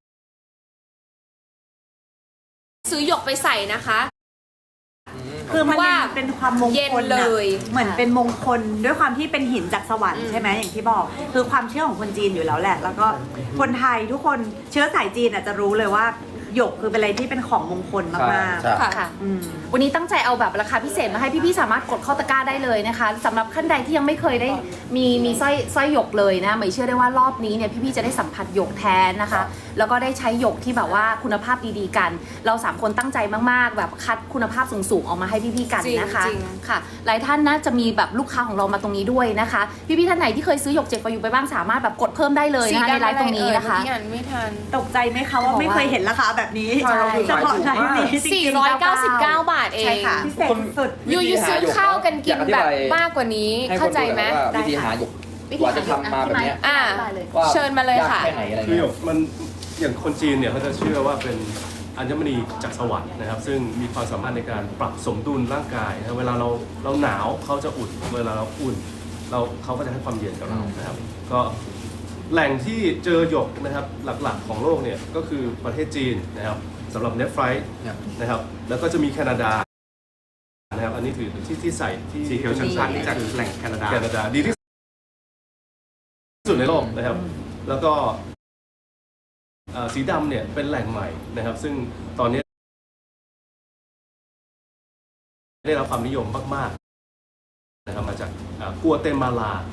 [SPEAKER 2] ซื้อหยกไปใส่นะคะ
[SPEAKER 5] คือมัน
[SPEAKER 2] ว่า
[SPEAKER 5] เป็นความมง
[SPEAKER 2] เย็น
[SPEAKER 5] คล
[SPEAKER 2] เล
[SPEAKER 5] น่ะ
[SPEAKER 2] ย
[SPEAKER 5] เหมือนเป็นมงคลด้วยความที่เป็นหินจากสวรรค์ใช่ไหมอย่างที่บอก คือความเชื่อของคนจีนอยู่แล้วแหละ แล้วก็คนไทยทุกคนเชื้อสายจีนอาจจะรู้เลยว่าหยกคือเป็นอะไรที่เป็นของมงคลมาก
[SPEAKER 3] ใช่
[SPEAKER 2] ค่ะ
[SPEAKER 6] ค่ะ
[SPEAKER 5] ๆอืม
[SPEAKER 6] วันนี้ตั้งใจเอาแบบราคาพิเศษมาให้พี่ๆสามารถกดเข้าตะกร้าได้เลยนะคะสำหรับท่านใดที่ยังไม่เคยได้มีมีสร้อยสร้อยหยกเลยนะหมายเชื่อได้ว่ารอบนี้เนี่ยพี่ๆจะได้สัมผัสหยกแท้นะคะ แล้วก็ได้ใช้หยกที่แบบว่าคุณภาพดีๆกัน เราสามคนตั้งใจมากๆ แบบคัดคุณภาพสูงๆออกมาให้พี่ๆกันนะคะ
[SPEAKER 2] จริง
[SPEAKER 6] ค่ะ หลายท่านนะจะมีแบบลูกค้าของเรามาตรงนี้ด้วยนะคะ พี่ๆท่านไหนที่เคยซื้อหยกเจ็ดฟอยูไปบ้างสามารถแบบกดเพิ่มได้เลยนะคะในไลฟ์ตรงนี้นะคะ
[SPEAKER 2] สีดำอไรเอ่ยเมื่อกี้อ่านไม่ทัน
[SPEAKER 5] ตกใจไหมคะว่าไม่เคยเห็นราคาแบบนี้
[SPEAKER 6] ใช่
[SPEAKER 5] เฉพาะในนี้จริง
[SPEAKER 2] สี่
[SPEAKER 5] ๆ
[SPEAKER 2] ร้อยเก้าสิบเก้า บาทเอ
[SPEAKER 6] ใช่
[SPEAKER 2] ง
[SPEAKER 6] ค่ะ
[SPEAKER 5] พิเศษสุด
[SPEAKER 2] ยูยูซื้อข้าวกันกินแบบมากกว่านี้
[SPEAKER 1] ให้ค
[SPEAKER 2] เข้าน ใจ
[SPEAKER 1] ดู
[SPEAKER 2] ไหม
[SPEAKER 1] ว่าวิธีหาหยกกว่าจะทำมาแบบเนี้ย
[SPEAKER 2] อ่า
[SPEAKER 6] ได้เลย
[SPEAKER 1] ว่า
[SPEAKER 2] เชิญมาเลยค่ะ
[SPEAKER 1] กแค่ไหนอะไร
[SPEAKER 4] คือ
[SPEAKER 1] เงี้
[SPEAKER 4] หย
[SPEAKER 1] ย
[SPEAKER 4] กมันอย่างคนจีนเนี่ยเขาจะเชื่อว่าเป็นอัญมณีจากสวรรค์นะครับ ซึ่งมีความสามารถในการปรับสมดุลร่างกายนะเวลาเราเราหนาวเขาจะอุ่นเวลาเราอุ่นเราเขาก็จะให้ความเย็นกับเรานะครับ ก็แหล่งที่เจอหยกนะครับหลักๆของโลกเนี่ยก็คือประเทศจีนนะครับสำหรับเนฟไฟร์นะครับแล้วก็จะมีแคนาดานะครับอันนี้ถือที่ที่ใส่ที่สีเขียวชัดๆนี่จากแหล่งแคนาดาแคนาดาดีที่สุดในโลกนะครับ แล้วก็เอ่อสีดำเนี่ยเป็นแหล่งใหม่นะครับ ซึ่งตอนนี้ได้รับความนิยมมากๆนะครับมาจากอ่ากัวเตมาลา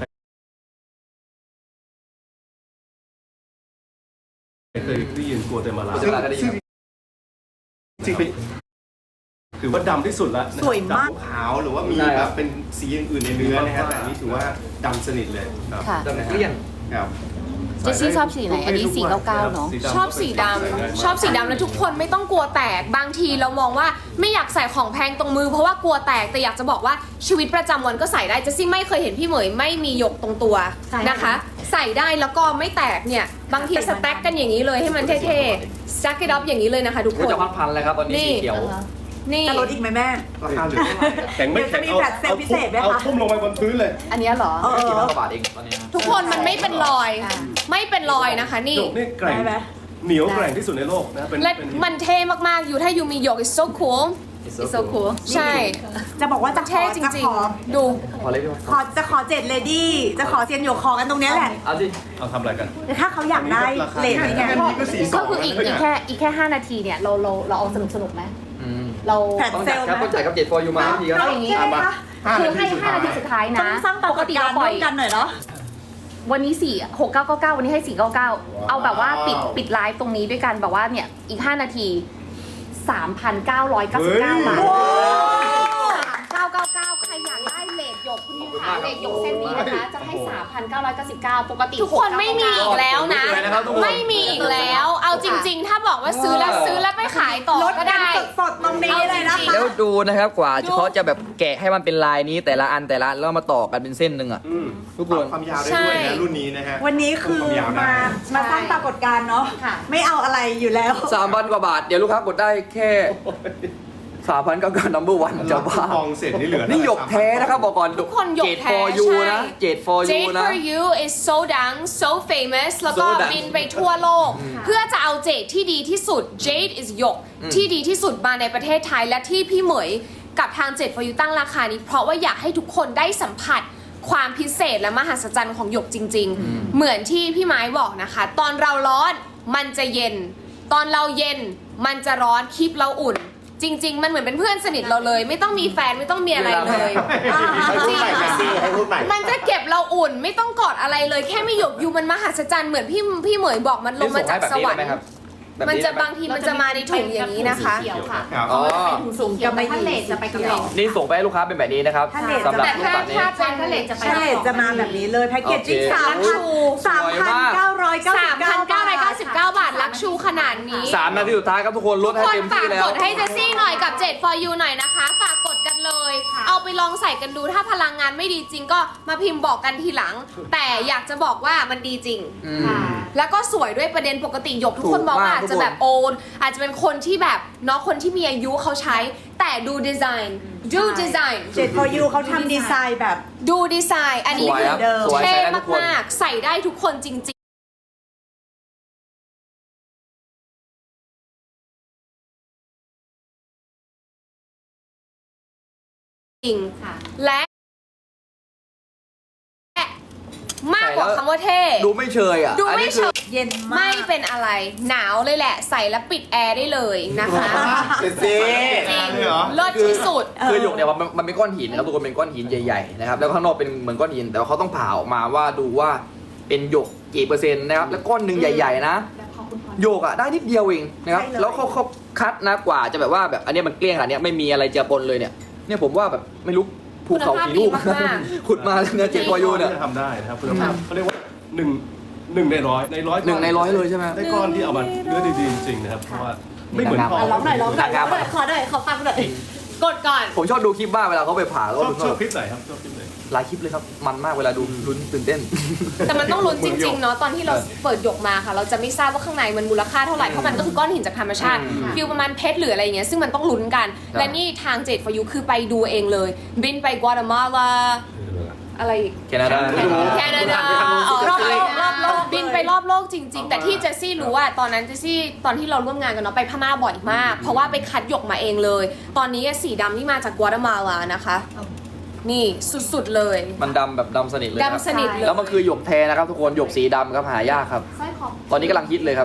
[SPEAKER 4] เคยได้ยินกัวเตมาลา
[SPEAKER 1] ซึ่งก็ได้ยินครับ
[SPEAKER 4] จริงๆเป็นถือว่าดำที่สุดแล้วนะครับ
[SPEAKER 5] สวยมาก
[SPEAKER 4] ดำ
[SPEAKER 3] ขาวหรือว่ามี
[SPEAKER 1] ใช่
[SPEAKER 3] แบ
[SPEAKER 1] ครับ
[SPEAKER 3] บเป็นสีอื่นๆในเนื้อนะฮะแต่อันนี้ถือว่าดำสนิทเลยครับ
[SPEAKER 6] ค่ะ
[SPEAKER 1] แต่เกลี้ยง
[SPEAKER 3] ครับ
[SPEAKER 6] เจสซี่ชอบสีไหนอันนี้สีเก้าเก้าเนอะ
[SPEAKER 2] ชอบสีดำชอบสีดำแล้วทุกคนไม่ต้องกลัวแตกบางทีเรามองว่าไม่อยากใส่ของแพงตรงมือเพราะว่ากลัวแตกแต่อยากจะบอกว่าชีวิตประจำวันก็ใส่ได้เจสซี่ไม่เคยเห็นพี่เหมยไม่มีหยกตรงตัว
[SPEAKER 5] ใช่
[SPEAKER 2] นะคะ ใส่ได้แล้วก็ไม่แตกเนี่ยบางทีสแต็กกันอย่างนี้เลยให้มันเท่ๆสแต็กกันอัพอย่างนี้เลยนะคะทุกค
[SPEAKER 1] ก็
[SPEAKER 2] น
[SPEAKER 1] จะพัดพันเลยครับตอนนี้
[SPEAKER 2] นี่
[SPEAKER 1] สีเขียว
[SPEAKER 2] นี่
[SPEAKER 5] จะลดอีกไหมแม่
[SPEAKER 3] ราคาเหลือเท่าไหร่
[SPEAKER 4] แข็งไม่แข็ง
[SPEAKER 5] เดี๋ยวจะมีแฟลชเซลล์พิเศษไหมคะ
[SPEAKER 4] เอาทุ่มลงไปบนพื้นเลย
[SPEAKER 6] อันเนี้ยเหรอ
[SPEAKER 5] เออ
[SPEAKER 1] กี่พันกว่าบาทเองตอนนี้นะ
[SPEAKER 2] ทุกคนมันไม่เป็นรอย
[SPEAKER 6] อ่า
[SPEAKER 2] ไม่เป็นรอยนะคะนี่
[SPEAKER 4] หยกนี่แกร่ง
[SPEAKER 5] ได้ไหม
[SPEAKER 4] เหนียวแกร่งที่สุดในโลกนะเป็น
[SPEAKER 2] และ
[SPEAKER 4] เป็น
[SPEAKER 2] มันเท่มากๆอยู่ถ้ายูมีหยก is so cool
[SPEAKER 6] It's so cool
[SPEAKER 2] ใช่
[SPEAKER 5] จะบอกว่าจะข
[SPEAKER 2] เท่
[SPEAKER 5] อ
[SPEAKER 2] จ
[SPEAKER 5] จะ
[SPEAKER 2] ริ
[SPEAKER 5] ข
[SPEAKER 2] ง
[SPEAKER 5] อ
[SPEAKER 2] ๆ ดู
[SPEAKER 1] พอเลยพี่ว่า
[SPEAKER 5] ขอจะขอเจ็ดเลดี้จะขอเซียนหยกขอกันตรงเนี้ยแหละ
[SPEAKER 1] เอาสิ
[SPEAKER 4] เอาทำอะไรกัน
[SPEAKER 5] แต่ถ้าเขาอยากได้เลทนี้ไง
[SPEAKER 3] อันนี้ก็สีส
[SPEAKER 6] ก็
[SPEAKER 3] อง
[SPEAKER 6] คืออีกอีกแค่อีกแค่ห้านาทีเนี่ยเราเราเราเอาสนุกสนุกไหม
[SPEAKER 1] อืม
[SPEAKER 6] เรา
[SPEAKER 5] แฟลช
[SPEAKER 1] ต้อง
[SPEAKER 5] เซ
[SPEAKER 1] จ่าย
[SPEAKER 5] ลล์
[SPEAKER 1] ครับ
[SPEAKER 5] ไหม
[SPEAKER 1] ต้องจ่ายครับเจ็ดฟอร์ยูมาทันทีครับ
[SPEAKER 6] เอาอย่างนี้
[SPEAKER 5] ใช่ไหมคะ
[SPEAKER 6] คือให้ห้านาทีสุดท้าย
[SPEAKER 5] ต้อ
[SPEAKER 6] นะ
[SPEAKER 5] งสร้างป
[SPEAKER 6] ป
[SPEAKER 5] ราก ก
[SPEAKER 6] ติ
[SPEAKER 5] ฏการ
[SPEAKER 6] เรา
[SPEAKER 5] ณ์
[SPEAKER 6] ปล่
[SPEAKER 5] ร่
[SPEAKER 6] อ
[SPEAKER 5] วย มกันหน่อยเนาะ
[SPEAKER 6] วันนี้สี่หกเก้าเก้าเก้าวันนี้ให้สี่เก้าเก้าเอาแบบว่าปิดปิดไลฟ์ตรงนี้ด้วยกันแบบว่าเนี่ยอีกห้านาทีสามพันเก้าร้อยเก้าสิบเก้าบาทเก้าเก้าเก้าใครอยากได้เลทหยกคุณนิวขาเลทหยกเส้นนี้นะคะจะให้สามพันเก้าร้อยเก้าสิบเก้าปกติ
[SPEAKER 2] ทุกคนไม่มีอีกแล้วนะ
[SPEAKER 1] เลยนะครับทุกคน
[SPEAKER 2] ไม่มีอีกแล้ว เอาจริง ๆ ถ้าบอกว่าซื้อแล้วซื้อแล้วไปขายต่อ
[SPEAKER 5] ลด
[SPEAKER 2] ก็
[SPEAKER 5] กัน
[SPEAKER 2] ได้
[SPEAKER 5] สดๆตรงนี้เลยนะ
[SPEAKER 2] เอาจริ
[SPEAKER 5] คะ
[SPEAKER 2] ง
[SPEAKER 1] แล้วดูนะครับกว่า
[SPEAKER 2] ดู
[SPEAKER 1] เขาจะแบบแกะให้มันเป็นลายนี้แต่ละอันแต่ละอันแล้วมาต่อกันเป็นเส้นหนึ่งอ่ะ
[SPEAKER 3] อืม
[SPEAKER 1] ทุกคน
[SPEAKER 3] ความยาวได้ด้วยนะรุ่นนี้นะฮะ
[SPEAKER 5] วันนี้คือ
[SPEAKER 3] ความยาวได้
[SPEAKER 5] มามาสร้างปรากฏการณ์เนาะ
[SPEAKER 6] ค่ะ
[SPEAKER 5] ไม่เอาอะไรอยู่แล้ว
[SPEAKER 1] สามพันกว่าบาท เดี๋ยวลูกค้ากดได้แค่สามพันเก้าเก้านัมเบอร์วันจะบ้า
[SPEAKER 3] ทองเสร็จนี่เหลือ
[SPEAKER 1] นี่หยกแท้นะครับบอกก่อน
[SPEAKER 2] ทุกคนหยก
[SPEAKER 1] เจ็ด
[SPEAKER 2] แท้
[SPEAKER 1] for you
[SPEAKER 2] ใช่
[SPEAKER 1] นะเจ็ด for you
[SPEAKER 2] Jade
[SPEAKER 1] นะ
[SPEAKER 2] for you is so ดัง so famous แล้วก็
[SPEAKER 1] So ดัง
[SPEAKER 2] บินไปทั่วโลก เพื่อจะเอาเจดที่ดีที่สุด Jade is หยกที่ดีที่สุดมาในประเทศไทยและที่พี่เหมยกับทาง Jade for you ตั้งราคานี้ เพราะว่าอยากให้ทุกคนได้สัมผัสความพิเศษและมหัศจรรย์ของหยกจริง ๆ เหมือนที่พี่ไม้บอกนะคะ ตอนเราร้อนมันจะเย็น ตอนเราเย็นมันจะร้อนคลิปเราอุ่น จริง ๆ มันเหมือนเป็นเพื่อนสนิทเราเลย ไม่ต้องมีแฟนไม่ต้องมีอะไรเลย
[SPEAKER 3] ให้พูดใหม่แมซี่ให้พูดใหม่
[SPEAKER 2] มันจะเก็บเราอุ่นไม่ต้องกอดอะไรเลยแค่ไม่หยกยูมันมหัศจรรย์เหมือนพี่พี่เหมยบอกมันลงมาจากสวรรค์ มันจะบางทีมันจะมาในถุงอย่างนี้นะคะ
[SPEAKER 6] สีเขียวค่ะ
[SPEAKER 3] ครับ
[SPEAKER 1] อ๋อ
[SPEAKER 5] สูงจะไม่
[SPEAKER 6] ถ้าเลทจะไปกับเลท
[SPEAKER 1] นี่ส่งไปให้ลูกค้าเป็นแบบนี้นะครับ
[SPEAKER 5] ถ้าเลท
[SPEAKER 1] สำหรับ
[SPEAKER 2] แต่
[SPEAKER 1] ลูก
[SPEAKER 2] ถ้า
[SPEAKER 1] ปัดนี้
[SPEAKER 2] ถ้า
[SPEAKER 6] ใช่ถ้าเลทจะไป
[SPEAKER 5] ใช่จะมาแบบนี้เลยแพ็กเกจจิ้ง
[SPEAKER 1] โอเค
[SPEAKER 5] สามพันสามพันเก้าร้อยเก้าสิบ
[SPEAKER 2] สาม
[SPEAKER 5] เก้า
[SPEAKER 2] พันเก้าร้อยเก้าสิบเก้าบาทลักชูขนาดนี้
[SPEAKER 1] สามนาทีสุดท้ายครับทุกคนลดให้
[SPEAKER 2] คน
[SPEAKER 1] เต็ม
[SPEAKER 2] ฝา
[SPEAKER 1] ที่
[SPEAKER 2] ก
[SPEAKER 1] แล้ว
[SPEAKER 2] กดให้เจสซี่หน่อยกับ Jade for you หน่อยนะคะ ฝากกดกันเลย เอาไปลองใส่กันดูถ้าพลังงานไม่ดีจริงก็มาพิมพ์บอกกันทีหลัง แต่อยากจะบอกว่ามันดีจริง
[SPEAKER 1] อืม
[SPEAKER 6] ค่ะ
[SPEAKER 2] แล้วก็สวยด้วยประเด็นปกติหยกทุกคน
[SPEAKER 1] ถูก
[SPEAKER 2] มองว่า
[SPEAKER 1] มาก
[SPEAKER 2] อาจจะแบบ
[SPEAKER 1] ทุกคน
[SPEAKER 2] โอนอาจจะเป็นคนที่แบบเนาะคนที่มีอายุเขาใช้ แต่ดูดีไซน์ดูดีไซน์
[SPEAKER 5] เจ็ด for you เขาทำดีไซน์แบบ
[SPEAKER 2] ดูดีไซน์ อันนี้
[SPEAKER 1] สวย
[SPEAKER 2] คื
[SPEAKER 1] ครั
[SPEAKER 2] อบ
[SPEAKER 5] เดิม
[SPEAKER 1] สวย
[SPEAKER 2] เท่
[SPEAKER 1] ใช้ได้ทุกคน
[SPEAKER 2] มากๆ ใส่ได้ทุกคนจริง ๆ จริง
[SPEAKER 6] ค่ะ
[SPEAKER 2] และมากกว่าคำว่าเท่
[SPEAKER 1] ดูไม่เชยอ่ะ
[SPEAKER 2] ดู
[SPEAKER 1] อัน
[SPEAKER 2] ไม่
[SPEAKER 1] นี้
[SPEAKER 2] เฉ
[SPEAKER 1] คือย
[SPEAKER 5] เย็นมา
[SPEAKER 2] ไม่
[SPEAKER 5] ก
[SPEAKER 2] เป็นอะไร หนาวเลยแหละ ใส่แล้วปิดแอร์ได้เลยนะคะ
[SPEAKER 3] เซ็กซี่
[SPEAKER 2] จริง
[SPEAKER 3] เลยเหรอ
[SPEAKER 2] เลิศที่สุด
[SPEAKER 1] คือหยกเนี่ยมันมันเป็นก้อนหินนะครับทุกคนเป็นก้อนหินใหญ่ๆนะครับแล้วข้างนอกเป็นเหมือนก้อนหิน แต่ว่าเขาต้องผ่าออกมาว่าดูว่าเป็นหยกกี่เปอร์เซ็นต์นะครับแล้วก้อนหนึ่งใหญ่ ๆ นะหยกอ่ะได้นิดเดียวเองนะครับ
[SPEAKER 5] ใช่เลย
[SPEAKER 1] แล้วเขาเขาคัดนะกว่าจะแบบว่าแบบอันเนี้ยมันเกลี้ยงขนาดเนี้ยไม่มีอะไรเจือปนเลยเนี่ยเนี่ยผมว่าแบบไม่รู้ภูเขากี่ลูก
[SPEAKER 2] คุณภาพดีมาก
[SPEAKER 1] ขุดมาแล้วเนี่ยเจ็ดพอยูเนี่ย
[SPEAKER 4] ทำได้นะครับคุณภาพเขาเรียกว่าหนึ่งหนึ่งในร้อยในร้อย
[SPEAKER 1] หนึ่งในร้อยเลยใช่ไหม
[SPEAKER 4] ได้ก้อนที่เอามาเนื้อดีๆจริงๆนะครับเพราะว่าไม่เหมือนทอง
[SPEAKER 5] อ่ะร้องหน่อยร้องหน่อยร้องหน่อยขอหน่อยขอฟังหน่อย
[SPEAKER 2] กดก่อน
[SPEAKER 1] ผมชอบดูคลิปบ้างเวลาเขาไปผ่า
[SPEAKER 4] ช
[SPEAKER 1] ก็
[SPEAKER 4] อบ
[SPEAKER 1] ดู
[SPEAKER 4] ชอบคลิปไหนครับชอบคลิปไหน
[SPEAKER 1] หลายคลิปเลยครับมันมากเวลาดูลุ้นตื่นเต้น
[SPEAKER 2] แต่มันต้องลุ้นจริงๆเนาะตอนที่เรา
[SPEAKER 1] เออ
[SPEAKER 2] เปิดหยกมาค่ะ เราจะไม่ทราบว่าข้างในมันมูลค่าเท่าไหร่เพราะมันก็คือก้อนหินจากธรรมชาติ
[SPEAKER 1] อืม
[SPEAKER 2] ฟิลประมาณเพชรหรืออะไรอย่างเงี้ยซึ่งมันต้องลุ้นกัน
[SPEAKER 1] ครับ
[SPEAKER 2] และนี่ทาง Jade for you คือไปดูเองเลย บินไปกัวเตมาลาอะไรอีก
[SPEAKER 1] แคนาดา
[SPEAKER 2] แคนาดาอ๋อรอบโลกรอบโล
[SPEAKER 5] รอบโล
[SPEAKER 2] ก
[SPEAKER 5] ก
[SPEAKER 2] บินไปรอบโลกจริง ๆ แต่ที่เจสซี่รู้ว่าตอนนั้นเจสซี่ตอนที่เราร่วมงานกันเนาะไปพม่าบ่อยมาก เพราะว่าไปคัดหยกมาเองเลย ตอนนี้สีดำนี่มาจากกัวเตมาลานะคะ นี่สุดๆเลย
[SPEAKER 1] มันดำแบบดำสนิทเลยครับ
[SPEAKER 2] ดำสนิทเลย
[SPEAKER 1] แล้วมันคือหยกแท้นะครับทุกคนหยกสีดำครับหายากครับ
[SPEAKER 6] สร้อยคอ
[SPEAKER 1] ตอนนี้กำลังฮิตเลยครับ
[SPEAKER 5] ส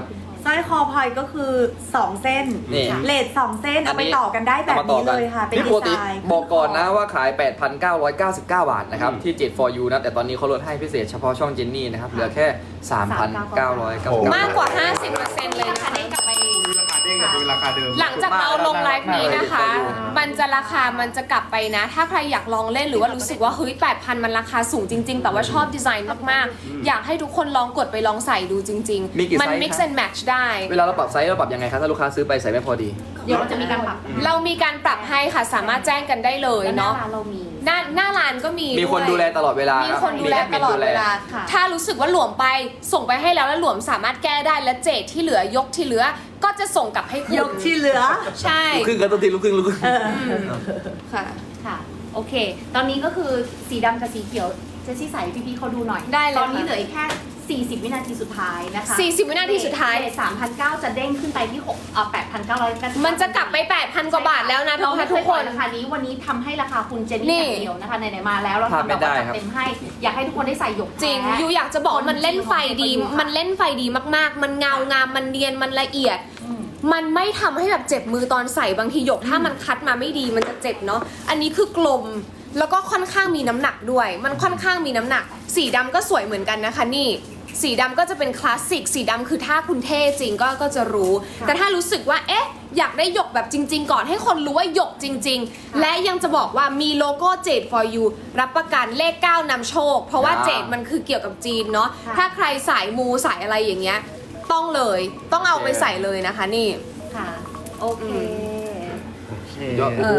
[SPEAKER 5] สร้อยคอพลอยก็คือสองเส้น
[SPEAKER 1] นี่
[SPEAKER 5] เลทสองเส้นเอาไปต่อกันได้แบบ
[SPEAKER 1] อามาต่อ
[SPEAKER 5] นี้
[SPEAKER 1] กั
[SPEAKER 5] เลยค่ะ เป็น
[SPEAKER 1] นี่
[SPEAKER 5] ดี
[SPEAKER 1] ปกติ
[SPEAKER 5] ไซน์
[SPEAKER 1] บอกก่อนนะว่าขาย แปดพันเก้าร้อยเก้าสิบเก้า บาทนะครับ ที่ เจ็ด for you นะ แต่ตอนนี้เขาลดให้พิเศษเฉพาะช่องเจนนี่นะครับ เหลือแค่ สามพันเก้าร้อยเก้าสิบเก้า
[SPEAKER 2] มากกว่า ห้าสิบเปอร์เซ็นต์ เลยนะคะได้กลับไป
[SPEAKER 7] ราคาเด้งกับดูราคาเดิม
[SPEAKER 2] หลังจากเราลงไลฟ์นี้นะคะ มันจะราคามันจะกลับไปนะ ถ้าใครอยากลองเล่นหรือว่ารู้สึกว่าเฮ้ย แปดพัน มันราคาสูงจริง ๆ แต่ว่าชอบดีไซน์มากๆ อยากให้ทุกคนลองกดไปลองใส่ดูจริง
[SPEAKER 1] มีกี่
[SPEAKER 2] ๆ มัน
[SPEAKER 1] ไซส์
[SPEAKER 2] mix
[SPEAKER 1] คะ
[SPEAKER 2] and match ได้
[SPEAKER 1] เวลาเราปรับไซส์เราปรับยังไงครับถ้าลูกค้าซื้อไปใส่ไม่พอดี
[SPEAKER 6] เดี๋ยวเราจะมีการปรับ
[SPEAKER 2] เรามีการปรับให้ค่ะ สามารถแจ้งกันได้เลย
[SPEAKER 6] แล้วหน้า
[SPEAKER 2] เนาะ
[SPEAKER 6] ร้านเรามี
[SPEAKER 2] หน้าหน้าร้านก็มี
[SPEAKER 1] มีคน
[SPEAKER 2] วย
[SPEAKER 1] ดูแลตลอดเวลา
[SPEAKER 2] มี
[SPEAKER 1] รับ
[SPEAKER 2] คนดูแล
[SPEAKER 1] แอ
[SPEAKER 2] ต
[SPEAKER 1] มิน
[SPEAKER 2] ลอดเวลา
[SPEAKER 6] ค่ะ
[SPEAKER 2] ถ้ารู้สึกว่าหลวมไปส่งไปให้แล้วแล้วหลวมสามารถแก้ได้และเจดที่เหลือยกที่เหลือก็จะส่งกลับให้คุณ
[SPEAKER 5] ยกที่เหลือ
[SPEAKER 2] ใช่
[SPEAKER 1] ลูกครึ่งกันตัวทีลูกครึ่งลูกครึ่ง
[SPEAKER 5] เออ
[SPEAKER 2] ค่ะ
[SPEAKER 6] ค่ะ โอเค ตอนนี้ก็คือสีดำกับสีเขียวเจสซี่ใส่พี่ๆเขาดูหน่อย
[SPEAKER 2] ได้เลย
[SPEAKER 6] ตอนนี้
[SPEAKER 2] ค่ะ
[SPEAKER 6] เหลืออีกแค่ สี่สิบ วินาทีสุดท้ายนะคะ
[SPEAKER 2] สี่สิบวินาทีสุดท้าย
[SPEAKER 6] สามพันเก้าจะเด้งขึ้นไปที่หกเอ่อแปดพันเก้าร้อยกัน
[SPEAKER 2] มันจะกลับไป แปดพัน กว่าบาทแล้วนะ
[SPEAKER 6] เรา
[SPEAKER 2] ทุก
[SPEAKER 6] ไม่
[SPEAKER 2] ท่าน
[SPEAKER 6] เค
[SPEAKER 2] ทุ
[SPEAKER 6] ย
[SPEAKER 2] ก
[SPEAKER 6] ป
[SPEAKER 2] ค
[SPEAKER 6] ล่อย
[SPEAKER 2] น
[SPEAKER 6] ราคานี้วันนี้ทำให้ราคาคุณเจน
[SPEAKER 2] นี่
[SPEAKER 6] นี่อย่างเดียวนะคะไหนๆมาแล้วเรา
[SPEAKER 1] พลาด
[SPEAKER 6] ทำ
[SPEAKER 1] ไม่
[SPEAKER 6] แบบ
[SPEAKER 1] ได้
[SPEAKER 6] ว่า
[SPEAKER 1] ครับ
[SPEAKER 6] จัดเต็มให้ อยากให้ทุกคนได้ใส่หยก
[SPEAKER 2] จริง
[SPEAKER 6] แท้
[SPEAKER 2] ยูอยากจะบอกว่ามันเล่นไฟดี มันเล่นไฟดีมากๆ มันเงางามมันเนียนมันละเอียด
[SPEAKER 6] อืม
[SPEAKER 2] มันไม่ทำให้แบบเจ็บมือตอนใส่บางทีหยกถ้ามันคัดมาไม่ดีมันจะเจ็บเนาะอันนี้คือกลมแล้วก็ค่อนข้างมีน้ำหนักด้วย มันค่อนข้างมีน้ำหนัก สีดำก็สวยเหมือนกันนะคะนี่ สีดำก็จะเป็นคลาสสิกสีดำคือถ้าคุณเท่จริงก็ก็จะรู้ แต่ถ้ารู้สึกว่าเอ๊ะอยากได้หยกแบบจริง ๆ ก่อนให้คนรู้ว่าหยกจริง ๆ และยังจะบอกว่ามีโลโก้เจด for you รับประกันเลขเก้านำโชค เพราะว่า
[SPEAKER 1] อ่า
[SPEAKER 2] เจดมันคือเกี่ยวกับจีนเนาะ
[SPEAKER 6] ค่ะ
[SPEAKER 2] ถ้าใครสายมูสายอะไรอย่างเงี้ยต้องเลยต้องเอาไปใส่เลยนะคะนี่
[SPEAKER 6] ค่ะ โอเค
[SPEAKER 1] ยอดโอ้โห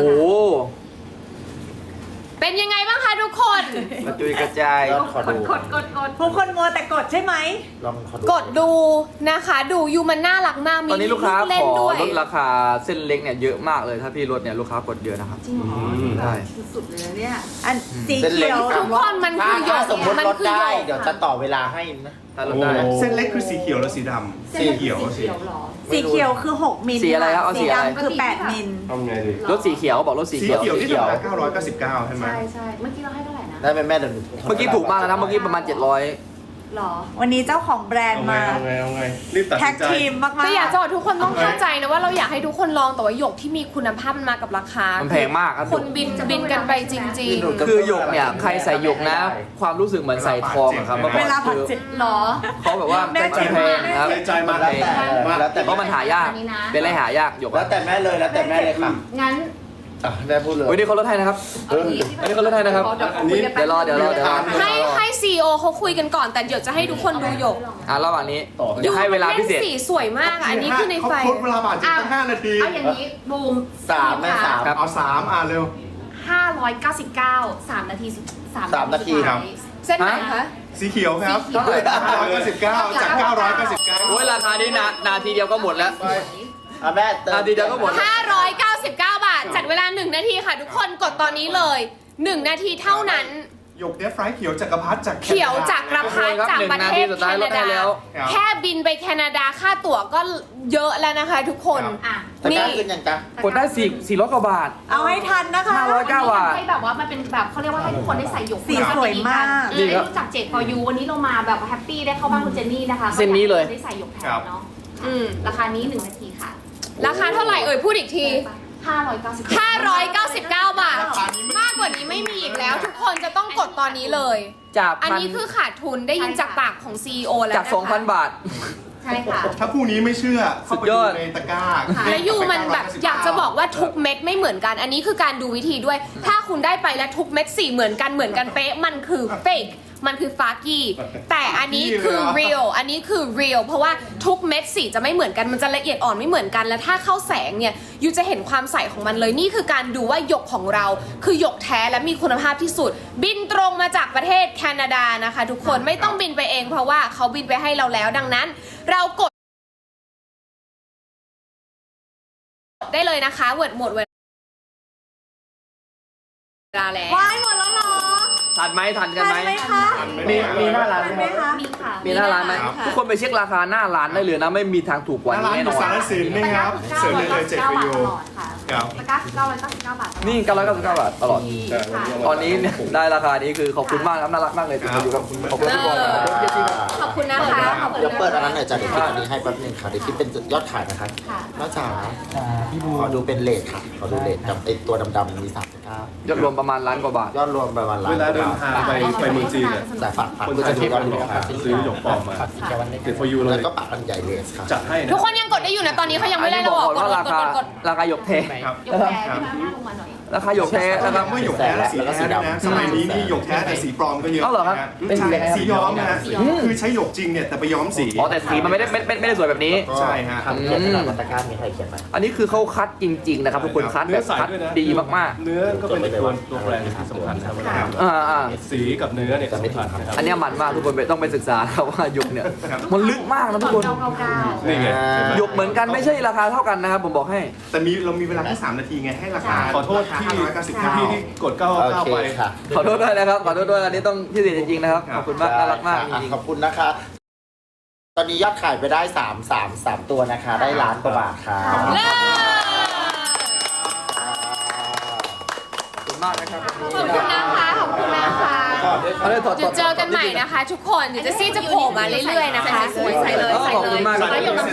[SPEAKER 2] เป็นยังไงบ้างคะทุกคน
[SPEAKER 1] กระจุยกระจาย
[SPEAKER 3] ยอดขอดู
[SPEAKER 6] กดกดกด
[SPEAKER 5] ทุกคนมัวแต่กดใช่ไหม
[SPEAKER 3] ลองขอดู
[SPEAKER 2] กดดูนะคะดูยูมันน่ารักมากมี
[SPEAKER 1] ตอนนี้ลูกค้า
[SPEAKER 2] เล่
[SPEAKER 1] ข
[SPEAKER 2] น
[SPEAKER 1] อ
[SPEAKER 2] ด้วย
[SPEAKER 1] ลดราคาเส้นเล็กเนี่ยเยอะมากเลยถ้าพี่ลดเนี่ยลูกค้ากดเยอะนะครับ
[SPEAKER 6] จริงเหรอ
[SPEAKER 1] ใช่
[SPEAKER 5] สุดๆเลยนะเนี่ย อันสี
[SPEAKER 3] เส้นเล็
[SPEAKER 5] เขี
[SPEAKER 3] ก
[SPEAKER 5] ยว
[SPEAKER 2] ทุกคนมันคือหย
[SPEAKER 3] ถ้าก สมมติ
[SPEAKER 2] มัน
[SPEAKER 3] ลด
[SPEAKER 2] คือห
[SPEAKER 3] ได้
[SPEAKER 2] ยก
[SPEAKER 3] เดี๋ยวจะต่อเวลาให้นะ
[SPEAKER 1] ถ้าลดได้
[SPEAKER 7] เส้นเล็กคือสีเขียวและสีดำ
[SPEAKER 6] เส้นเล็กคือสีเขียวเหรอ
[SPEAKER 5] สีเขียวคือหกมิล
[SPEAKER 1] สีอะไรครับเอาสีอะไร
[SPEAKER 5] ดำคือแปดมิล
[SPEAKER 7] เอาไงดี
[SPEAKER 1] รถสีเขียวบอกรถสี
[SPEAKER 7] สี
[SPEAKER 1] เขียว
[SPEAKER 7] เขียวที่ธรรมดาเก้าร้อยเก้าสิบเก้าใช่ไหม
[SPEAKER 6] ใช่ใช่เมื่อกี้เราให้เท่าไหร่นะ
[SPEAKER 3] ได้ไหมแม่เดี๋ยวหนู
[SPEAKER 1] เมื่อกี้ถูกมากแล้วนะเมื่อกี้ประมาณเจ็ดร้อย
[SPEAKER 6] หรอ
[SPEAKER 5] วันนี้เจ้าของแบรน
[SPEAKER 7] เอา
[SPEAKER 5] ด์
[SPEAKER 7] ไง
[SPEAKER 5] มา
[SPEAKER 7] เอาไงเอาไงรีบตัด
[SPEAKER 5] แท็
[SPEAKER 7] สิ
[SPEAKER 5] ก
[SPEAKER 7] นใจ
[SPEAKER 5] ทีมมาก
[SPEAKER 2] แต่อยาก
[SPEAKER 5] ๆ
[SPEAKER 2] จะบอกทุกคนต้องเข้าใจนะว่าเราอยากให้ทุกคนลองแต่ว่าหยกที่มีคุณภาพมันมากับราคา
[SPEAKER 1] มันแพงมากครับ
[SPEAKER 2] คนบินบินกันไปจริง
[SPEAKER 1] คือหยกเนี่ยใครใส่หยกนะ ความรู้สึกเหมือนใส่ทองอะครับเมื่อก่
[SPEAKER 5] เว
[SPEAKER 1] อน
[SPEAKER 5] ลาผัด
[SPEAKER 1] คือ
[SPEAKER 5] เจ็ด
[SPEAKER 6] หรอ
[SPEAKER 1] เขาแบบว่า
[SPEAKER 5] แม่
[SPEAKER 1] มันแพงนะครับ
[SPEAKER 7] ใจมา
[SPEAKER 3] แล้วแต่
[SPEAKER 7] มา
[SPEAKER 3] แล้วแต่
[SPEAKER 1] เพราะมันหายาก
[SPEAKER 6] อันนี้นะ
[SPEAKER 1] เป็นอะไรหายากหยก
[SPEAKER 3] แล้
[SPEAKER 1] อะ
[SPEAKER 3] วแต่แม่เลยแล้วแต่แม่เลยค่ะ
[SPEAKER 6] งั้น
[SPEAKER 3] อ่ะแม่พูดเลย
[SPEAKER 1] เฮ้ยนี่เขาลดให้นะครับ
[SPEAKER 6] เอาอย่างนี้
[SPEAKER 1] อันนี้เขาลดให้นะครับ
[SPEAKER 7] อันนี้
[SPEAKER 1] เดี๋ยวรอเดี๋ยวรอเดี๋ยวรอ
[SPEAKER 2] ๆ ให้ให้ซีโอเขาคุยกันก่อนแต่เดี๋ยวจะให้ทุกคนดูหยก
[SPEAKER 1] อ่ะระหว่างนี้เดี๋ยวให้เวลาพิเศษ
[SPEAKER 2] ล่นสีสวยมากอะอันนี้คือในไฟ
[SPEAKER 7] เขาครบเวลาบาทจริงตั้งห้านาที
[SPEAKER 6] เอาอย่างนี้บูม
[SPEAKER 3] สามแม่สาม
[SPEAKER 1] ครับ
[SPEAKER 7] เอาสามอ่ะเร็ว
[SPEAKER 6] ห้าร้อยเก้าสิบเก้าสามนาทีสุดสาม
[SPEAKER 3] สามนาที
[SPEAKER 6] สุด
[SPEAKER 7] ครั
[SPEAKER 6] ท้า
[SPEAKER 7] บ
[SPEAKER 6] ย
[SPEAKER 2] เส้นไหนคะ
[SPEAKER 7] สีเขียวครับ
[SPEAKER 6] สีเขียว
[SPEAKER 7] ห้าร้อยเก้าสิบเก้าจากเก้าร้อยเก้าสิบเก้า
[SPEAKER 1] โอ้ยราคานี้นานาทีเดียวก็หมดแล้ว
[SPEAKER 3] อ่ะแม่เติม
[SPEAKER 1] นาทีเดียวก็หมด
[SPEAKER 2] ห้าร้อยเก้าสิบเก้า บาท จัดเวลาหนึ่งนาทีค่ะ ทุกคนกดตอนนี้เลยหนึ่งนาทีเท่านั้น
[SPEAKER 7] หยกเนฟไฟเขียวจักรพรรดิจากแคนาดา
[SPEAKER 2] เขียวจากกระพัดจากประเทศ
[SPEAKER 1] หนึ่งนาทีสุด
[SPEAKER 2] แค
[SPEAKER 1] ท้ายล
[SPEAKER 2] นา
[SPEAKER 1] ดให้
[SPEAKER 2] ดา
[SPEAKER 1] แล้ว
[SPEAKER 7] ครับ
[SPEAKER 2] แค่บินไปแคนาดาค่าตั๋วก็เยอะแล้วนะคะทุกคน
[SPEAKER 6] อ่ะ
[SPEAKER 3] ตะกร้าขึ้นยังจ๊ะ
[SPEAKER 1] กดได้สี่สี่ร้อยกว่าบาท
[SPEAKER 5] เอาให้ทันนะคะ
[SPEAKER 1] ห้าร้อยเก้า บาท
[SPEAKER 6] ให้แบบว่ามันเป็นแบบเขาเรียกว่าให้ทุกคนได้ใส่หยก
[SPEAKER 5] สีสวยมาก
[SPEAKER 6] ได้รู้จักเจดพอยูวันนี้เรามาแบบแฮปปี้ได้เข้าบ้านคุณเจนนี่นะคะ
[SPEAKER 1] เส้นนี้เลย
[SPEAKER 6] ได้ใส่หยกแทนเนาะ
[SPEAKER 2] อืม
[SPEAKER 6] ราคานี้หนึ่งนาทีค่ะ
[SPEAKER 2] ราคาเท่าไหร่เอ่ยพูดอีกที
[SPEAKER 6] ห้าร้อยเก้าสิบ
[SPEAKER 2] ห้าร้อยเก้าสิบเก้า บาท มากกว่านี้ไม่มีอีกแล้ว ทุกคนจะต้องกดตอนนี้เลย
[SPEAKER 1] จาก
[SPEAKER 2] อัน
[SPEAKER 1] พัน
[SPEAKER 2] นี้คือขาดทุนได้ยินจากปากของ ซี อี โอ แล้ว
[SPEAKER 1] จาก
[SPEAKER 2] นะคะ
[SPEAKER 1] สองพัน บาท
[SPEAKER 6] ใช่ค่ะ
[SPEAKER 7] ถ้าพรุ่งนี้ไม่เชื่อเข้าไป
[SPEAKER 1] สุดย
[SPEAKER 7] ดู
[SPEAKER 1] อด
[SPEAKER 7] ในตะกร้า
[SPEAKER 2] และยูมันแบบอยากจะบอกว่าทุกเม็ดไม่เหมือนกัน อันนี้คือการดูวิธีด้วย ถ้าคุณได้ไปแล้วทุกเม็ดสีเหมือนกันเหมือนกันเป๊ะ มันคือเฟกมันคือฟากี้ แต่อันนี้คือ real อันนี้คือ real เพราะว่าทุกเม็ดสีจะไม่เหมือนกัน มันจะละเอียดอ่อนไม่เหมือนกัน และถ้าเข้าแสงเนี่ยยูจะเห็นความใสของมันเลย นี่คือการดูว่าหยกของเรา คือหยกแท้และมีคุณภาพที่สุด บินตรงมาจากประเทศแคนาดานะคะ ทุกคนไม่ต้องบินไปเองเพราะว่าเขาบินไปให้เราแล้ว ดังนั้น เรากดได้เลยนะคะเวิร์ดหมดเวลาแล้ว
[SPEAKER 5] ว้ายหมดแล้วเหรอ
[SPEAKER 1] ทันไหมทันกัน
[SPEAKER 5] ทัน
[SPEAKER 1] ไหม
[SPEAKER 5] ไหมคะ
[SPEAKER 1] มีมีหน้าร้าน
[SPEAKER 5] ทัน
[SPEAKER 1] ไห
[SPEAKER 5] ไห
[SPEAKER 1] ม
[SPEAKER 5] มคะ
[SPEAKER 6] มีค่ะ
[SPEAKER 1] มีหน้าร้านไหมทุกคนไปเช็คราคาหน้าร้านได้เลยนะไม่มีทางถูกกว่า
[SPEAKER 7] หน้า
[SPEAKER 1] นี้
[SPEAKER 7] ร้าน
[SPEAKER 1] แน่
[SPEAKER 7] อน ยู่
[SPEAKER 1] อน
[SPEAKER 7] สารสินนะครับเสิร์ฟได้เลยเจ็ด
[SPEAKER 6] บา
[SPEAKER 7] ประ
[SPEAKER 6] ท
[SPEAKER 7] โย
[SPEAKER 6] ต
[SPEAKER 7] ช
[SPEAKER 6] ล
[SPEAKER 7] น์
[SPEAKER 6] อดค่ะ
[SPEAKER 7] ครับ
[SPEAKER 6] ตะกร้าเก้าร้อยเก้าสิบเก้าบาทตลอด
[SPEAKER 1] นี่เก้าร้อยเก้าสิบเก้าบาทตลอด
[SPEAKER 6] ดีค่ะ
[SPEAKER 1] ตอนนี้เนี่ยได้ราคานี้คือขอบคุณมากครับน่ารักมากเลยที่มาอยู่กับขอบคุณทุกคนครับ
[SPEAKER 2] ขอบคุณนะคะขอบคุณ
[SPEAKER 3] เดี๋ยว
[SPEAKER 2] นะ
[SPEAKER 3] เปิดอัน
[SPEAKER 2] คะ
[SPEAKER 3] นั้นหน่อยจ้ะเดี๋ยวคิดอันนี้ให้แป๊บนึงค่ะเดี๋ยวคิดเป็นยอดขายนะคะ
[SPEAKER 6] ค่ะ
[SPEAKER 3] น้าจ๋าขอดูเป็นเลทค่ะขอดูเลทกับไอตัวดำๆมีสามสิบเก้าย
[SPEAKER 1] อดรวมประมาณล้านกว่าบาท
[SPEAKER 3] ยอดรวมประมาณล้าน
[SPEAKER 4] เวลาเดินทางไปไปเมืองจีนเนี่ย
[SPEAKER 3] แต่ฝากฝาก
[SPEAKER 4] คน
[SPEAKER 3] เพื่อ
[SPEAKER 4] ไทย
[SPEAKER 3] จะดู
[SPEAKER 4] ที่
[SPEAKER 3] ยอ
[SPEAKER 4] กั
[SPEAKER 3] ด
[SPEAKER 4] น
[SPEAKER 3] รวมค่ะ
[SPEAKER 4] ซื้อหยกปลอมมาติด for you เล
[SPEAKER 3] แล้ว
[SPEAKER 4] ย
[SPEAKER 3] ก็ปากอันใหญ่เลสค่ะ
[SPEAKER 4] จัดให้นะ
[SPEAKER 2] ทุกคนยังกดได้อยู่นะตอนนี้เขายัง
[SPEAKER 1] อั
[SPEAKER 2] ไม่
[SPEAKER 1] น
[SPEAKER 2] ได้
[SPEAKER 1] นี้บ
[SPEAKER 2] เรา
[SPEAKER 1] อก
[SPEAKER 2] บอก
[SPEAKER 1] ก่อน
[SPEAKER 2] กด
[SPEAKER 1] ว่าก รา
[SPEAKER 2] ด
[SPEAKER 1] คาก
[SPEAKER 2] ดกด
[SPEAKER 1] ราคาหยกเท
[SPEAKER 7] ครับ
[SPEAKER 6] ยกแพ้ขึ้นมาลงมาหน่อย
[SPEAKER 1] ราคาหยกเทนะครับ
[SPEAKER 7] เมื่อหยกแท้และสีแท้ด้วยนะสมัยนี้นี่หยกแท้แต่สีปลอมก็เยอะ
[SPEAKER 1] เอาเหรอครับ
[SPEAKER 7] นะ
[SPEAKER 1] เป็นสีอะไรครับ
[SPEAKER 7] สีย้อมนะฮะคือใช้หยกจริงเนี่ยแต่ไปย้อมสี
[SPEAKER 1] อ๋อแต่สีมันไม่ได้ไม่ไม่ไม่ได้สวยแบบนี้
[SPEAKER 7] ใช่ฮะ
[SPEAKER 3] ทำเขียนขนาดมาตรการมีใครเขียนไหม
[SPEAKER 1] อันนี้คือเขาคัดจริง ๆ นะครับทุกคนคัด
[SPEAKER 4] เนื้
[SPEAKER 1] แบ
[SPEAKER 4] อบ ใส
[SPEAKER 1] คัด
[SPEAKER 4] ด้วยนะ
[SPEAKER 1] ดีมาก
[SPEAKER 4] เนื้อก็เป็นตัวตัวแปรที่สำคัญนะครับเวลา
[SPEAKER 1] ๆอ่าอ่า
[SPEAKER 4] สีกับเนื้อเนี่ยสำคัญนะครับ
[SPEAKER 1] อันเนี้ยมันมากทุกคนไปต้องไปศึกษาครับว่าหยกเนี่ยมันลึกมากนะทุกคน
[SPEAKER 6] เก้าเก้าเก้า
[SPEAKER 4] นี่ไงเห็นไหม
[SPEAKER 1] หยกเหมือนกันไม่ใช่ราคาเท่ากันนะครับผมบอกให้
[SPEAKER 7] แต่มีเรามีเวลาแค่สามนาทีไงให้ราคา
[SPEAKER 4] ขอโทษที่
[SPEAKER 7] ห้าร้อยเก้าสิบเก้า
[SPEAKER 4] พี่ที่กดเก้า
[SPEAKER 3] โอ
[SPEAKER 4] เก้า
[SPEAKER 3] เค
[SPEAKER 4] ไป
[SPEAKER 3] ค่ะ
[SPEAKER 1] ขอโทษด้วยนะครับขอโทษด้วยอันนี้ต้องพิเศษจริงๆนะครับขอบคุณมากน่ารักมากจ
[SPEAKER 3] อ่ะ
[SPEAKER 1] ริง
[SPEAKER 3] ขอบคุณนะคะ ตอนนี้ยอดขายไปได้สามสามสามตัวนะคะ ได้ล้านกว่าบาทค่ะ
[SPEAKER 2] เลิศ
[SPEAKER 1] ขอบคุณมากนะครับ
[SPEAKER 2] ขอบคุณนะคะขอบคุณนะคะ
[SPEAKER 1] เอาเลยถอด
[SPEAKER 2] เดี๋ยวเจอกันใหม่นะคะ ทุกคนเดี๋ยวจะซี่จะโผล่มาเรื่อยๆนะคะสวยใส่เลย
[SPEAKER 1] เออ
[SPEAKER 2] ใส่
[SPEAKER 1] ขอบ
[SPEAKER 2] เล
[SPEAKER 1] คุ
[SPEAKER 2] ย
[SPEAKER 1] ณมากครับ
[SPEAKER 2] แล้วหยกน้ำ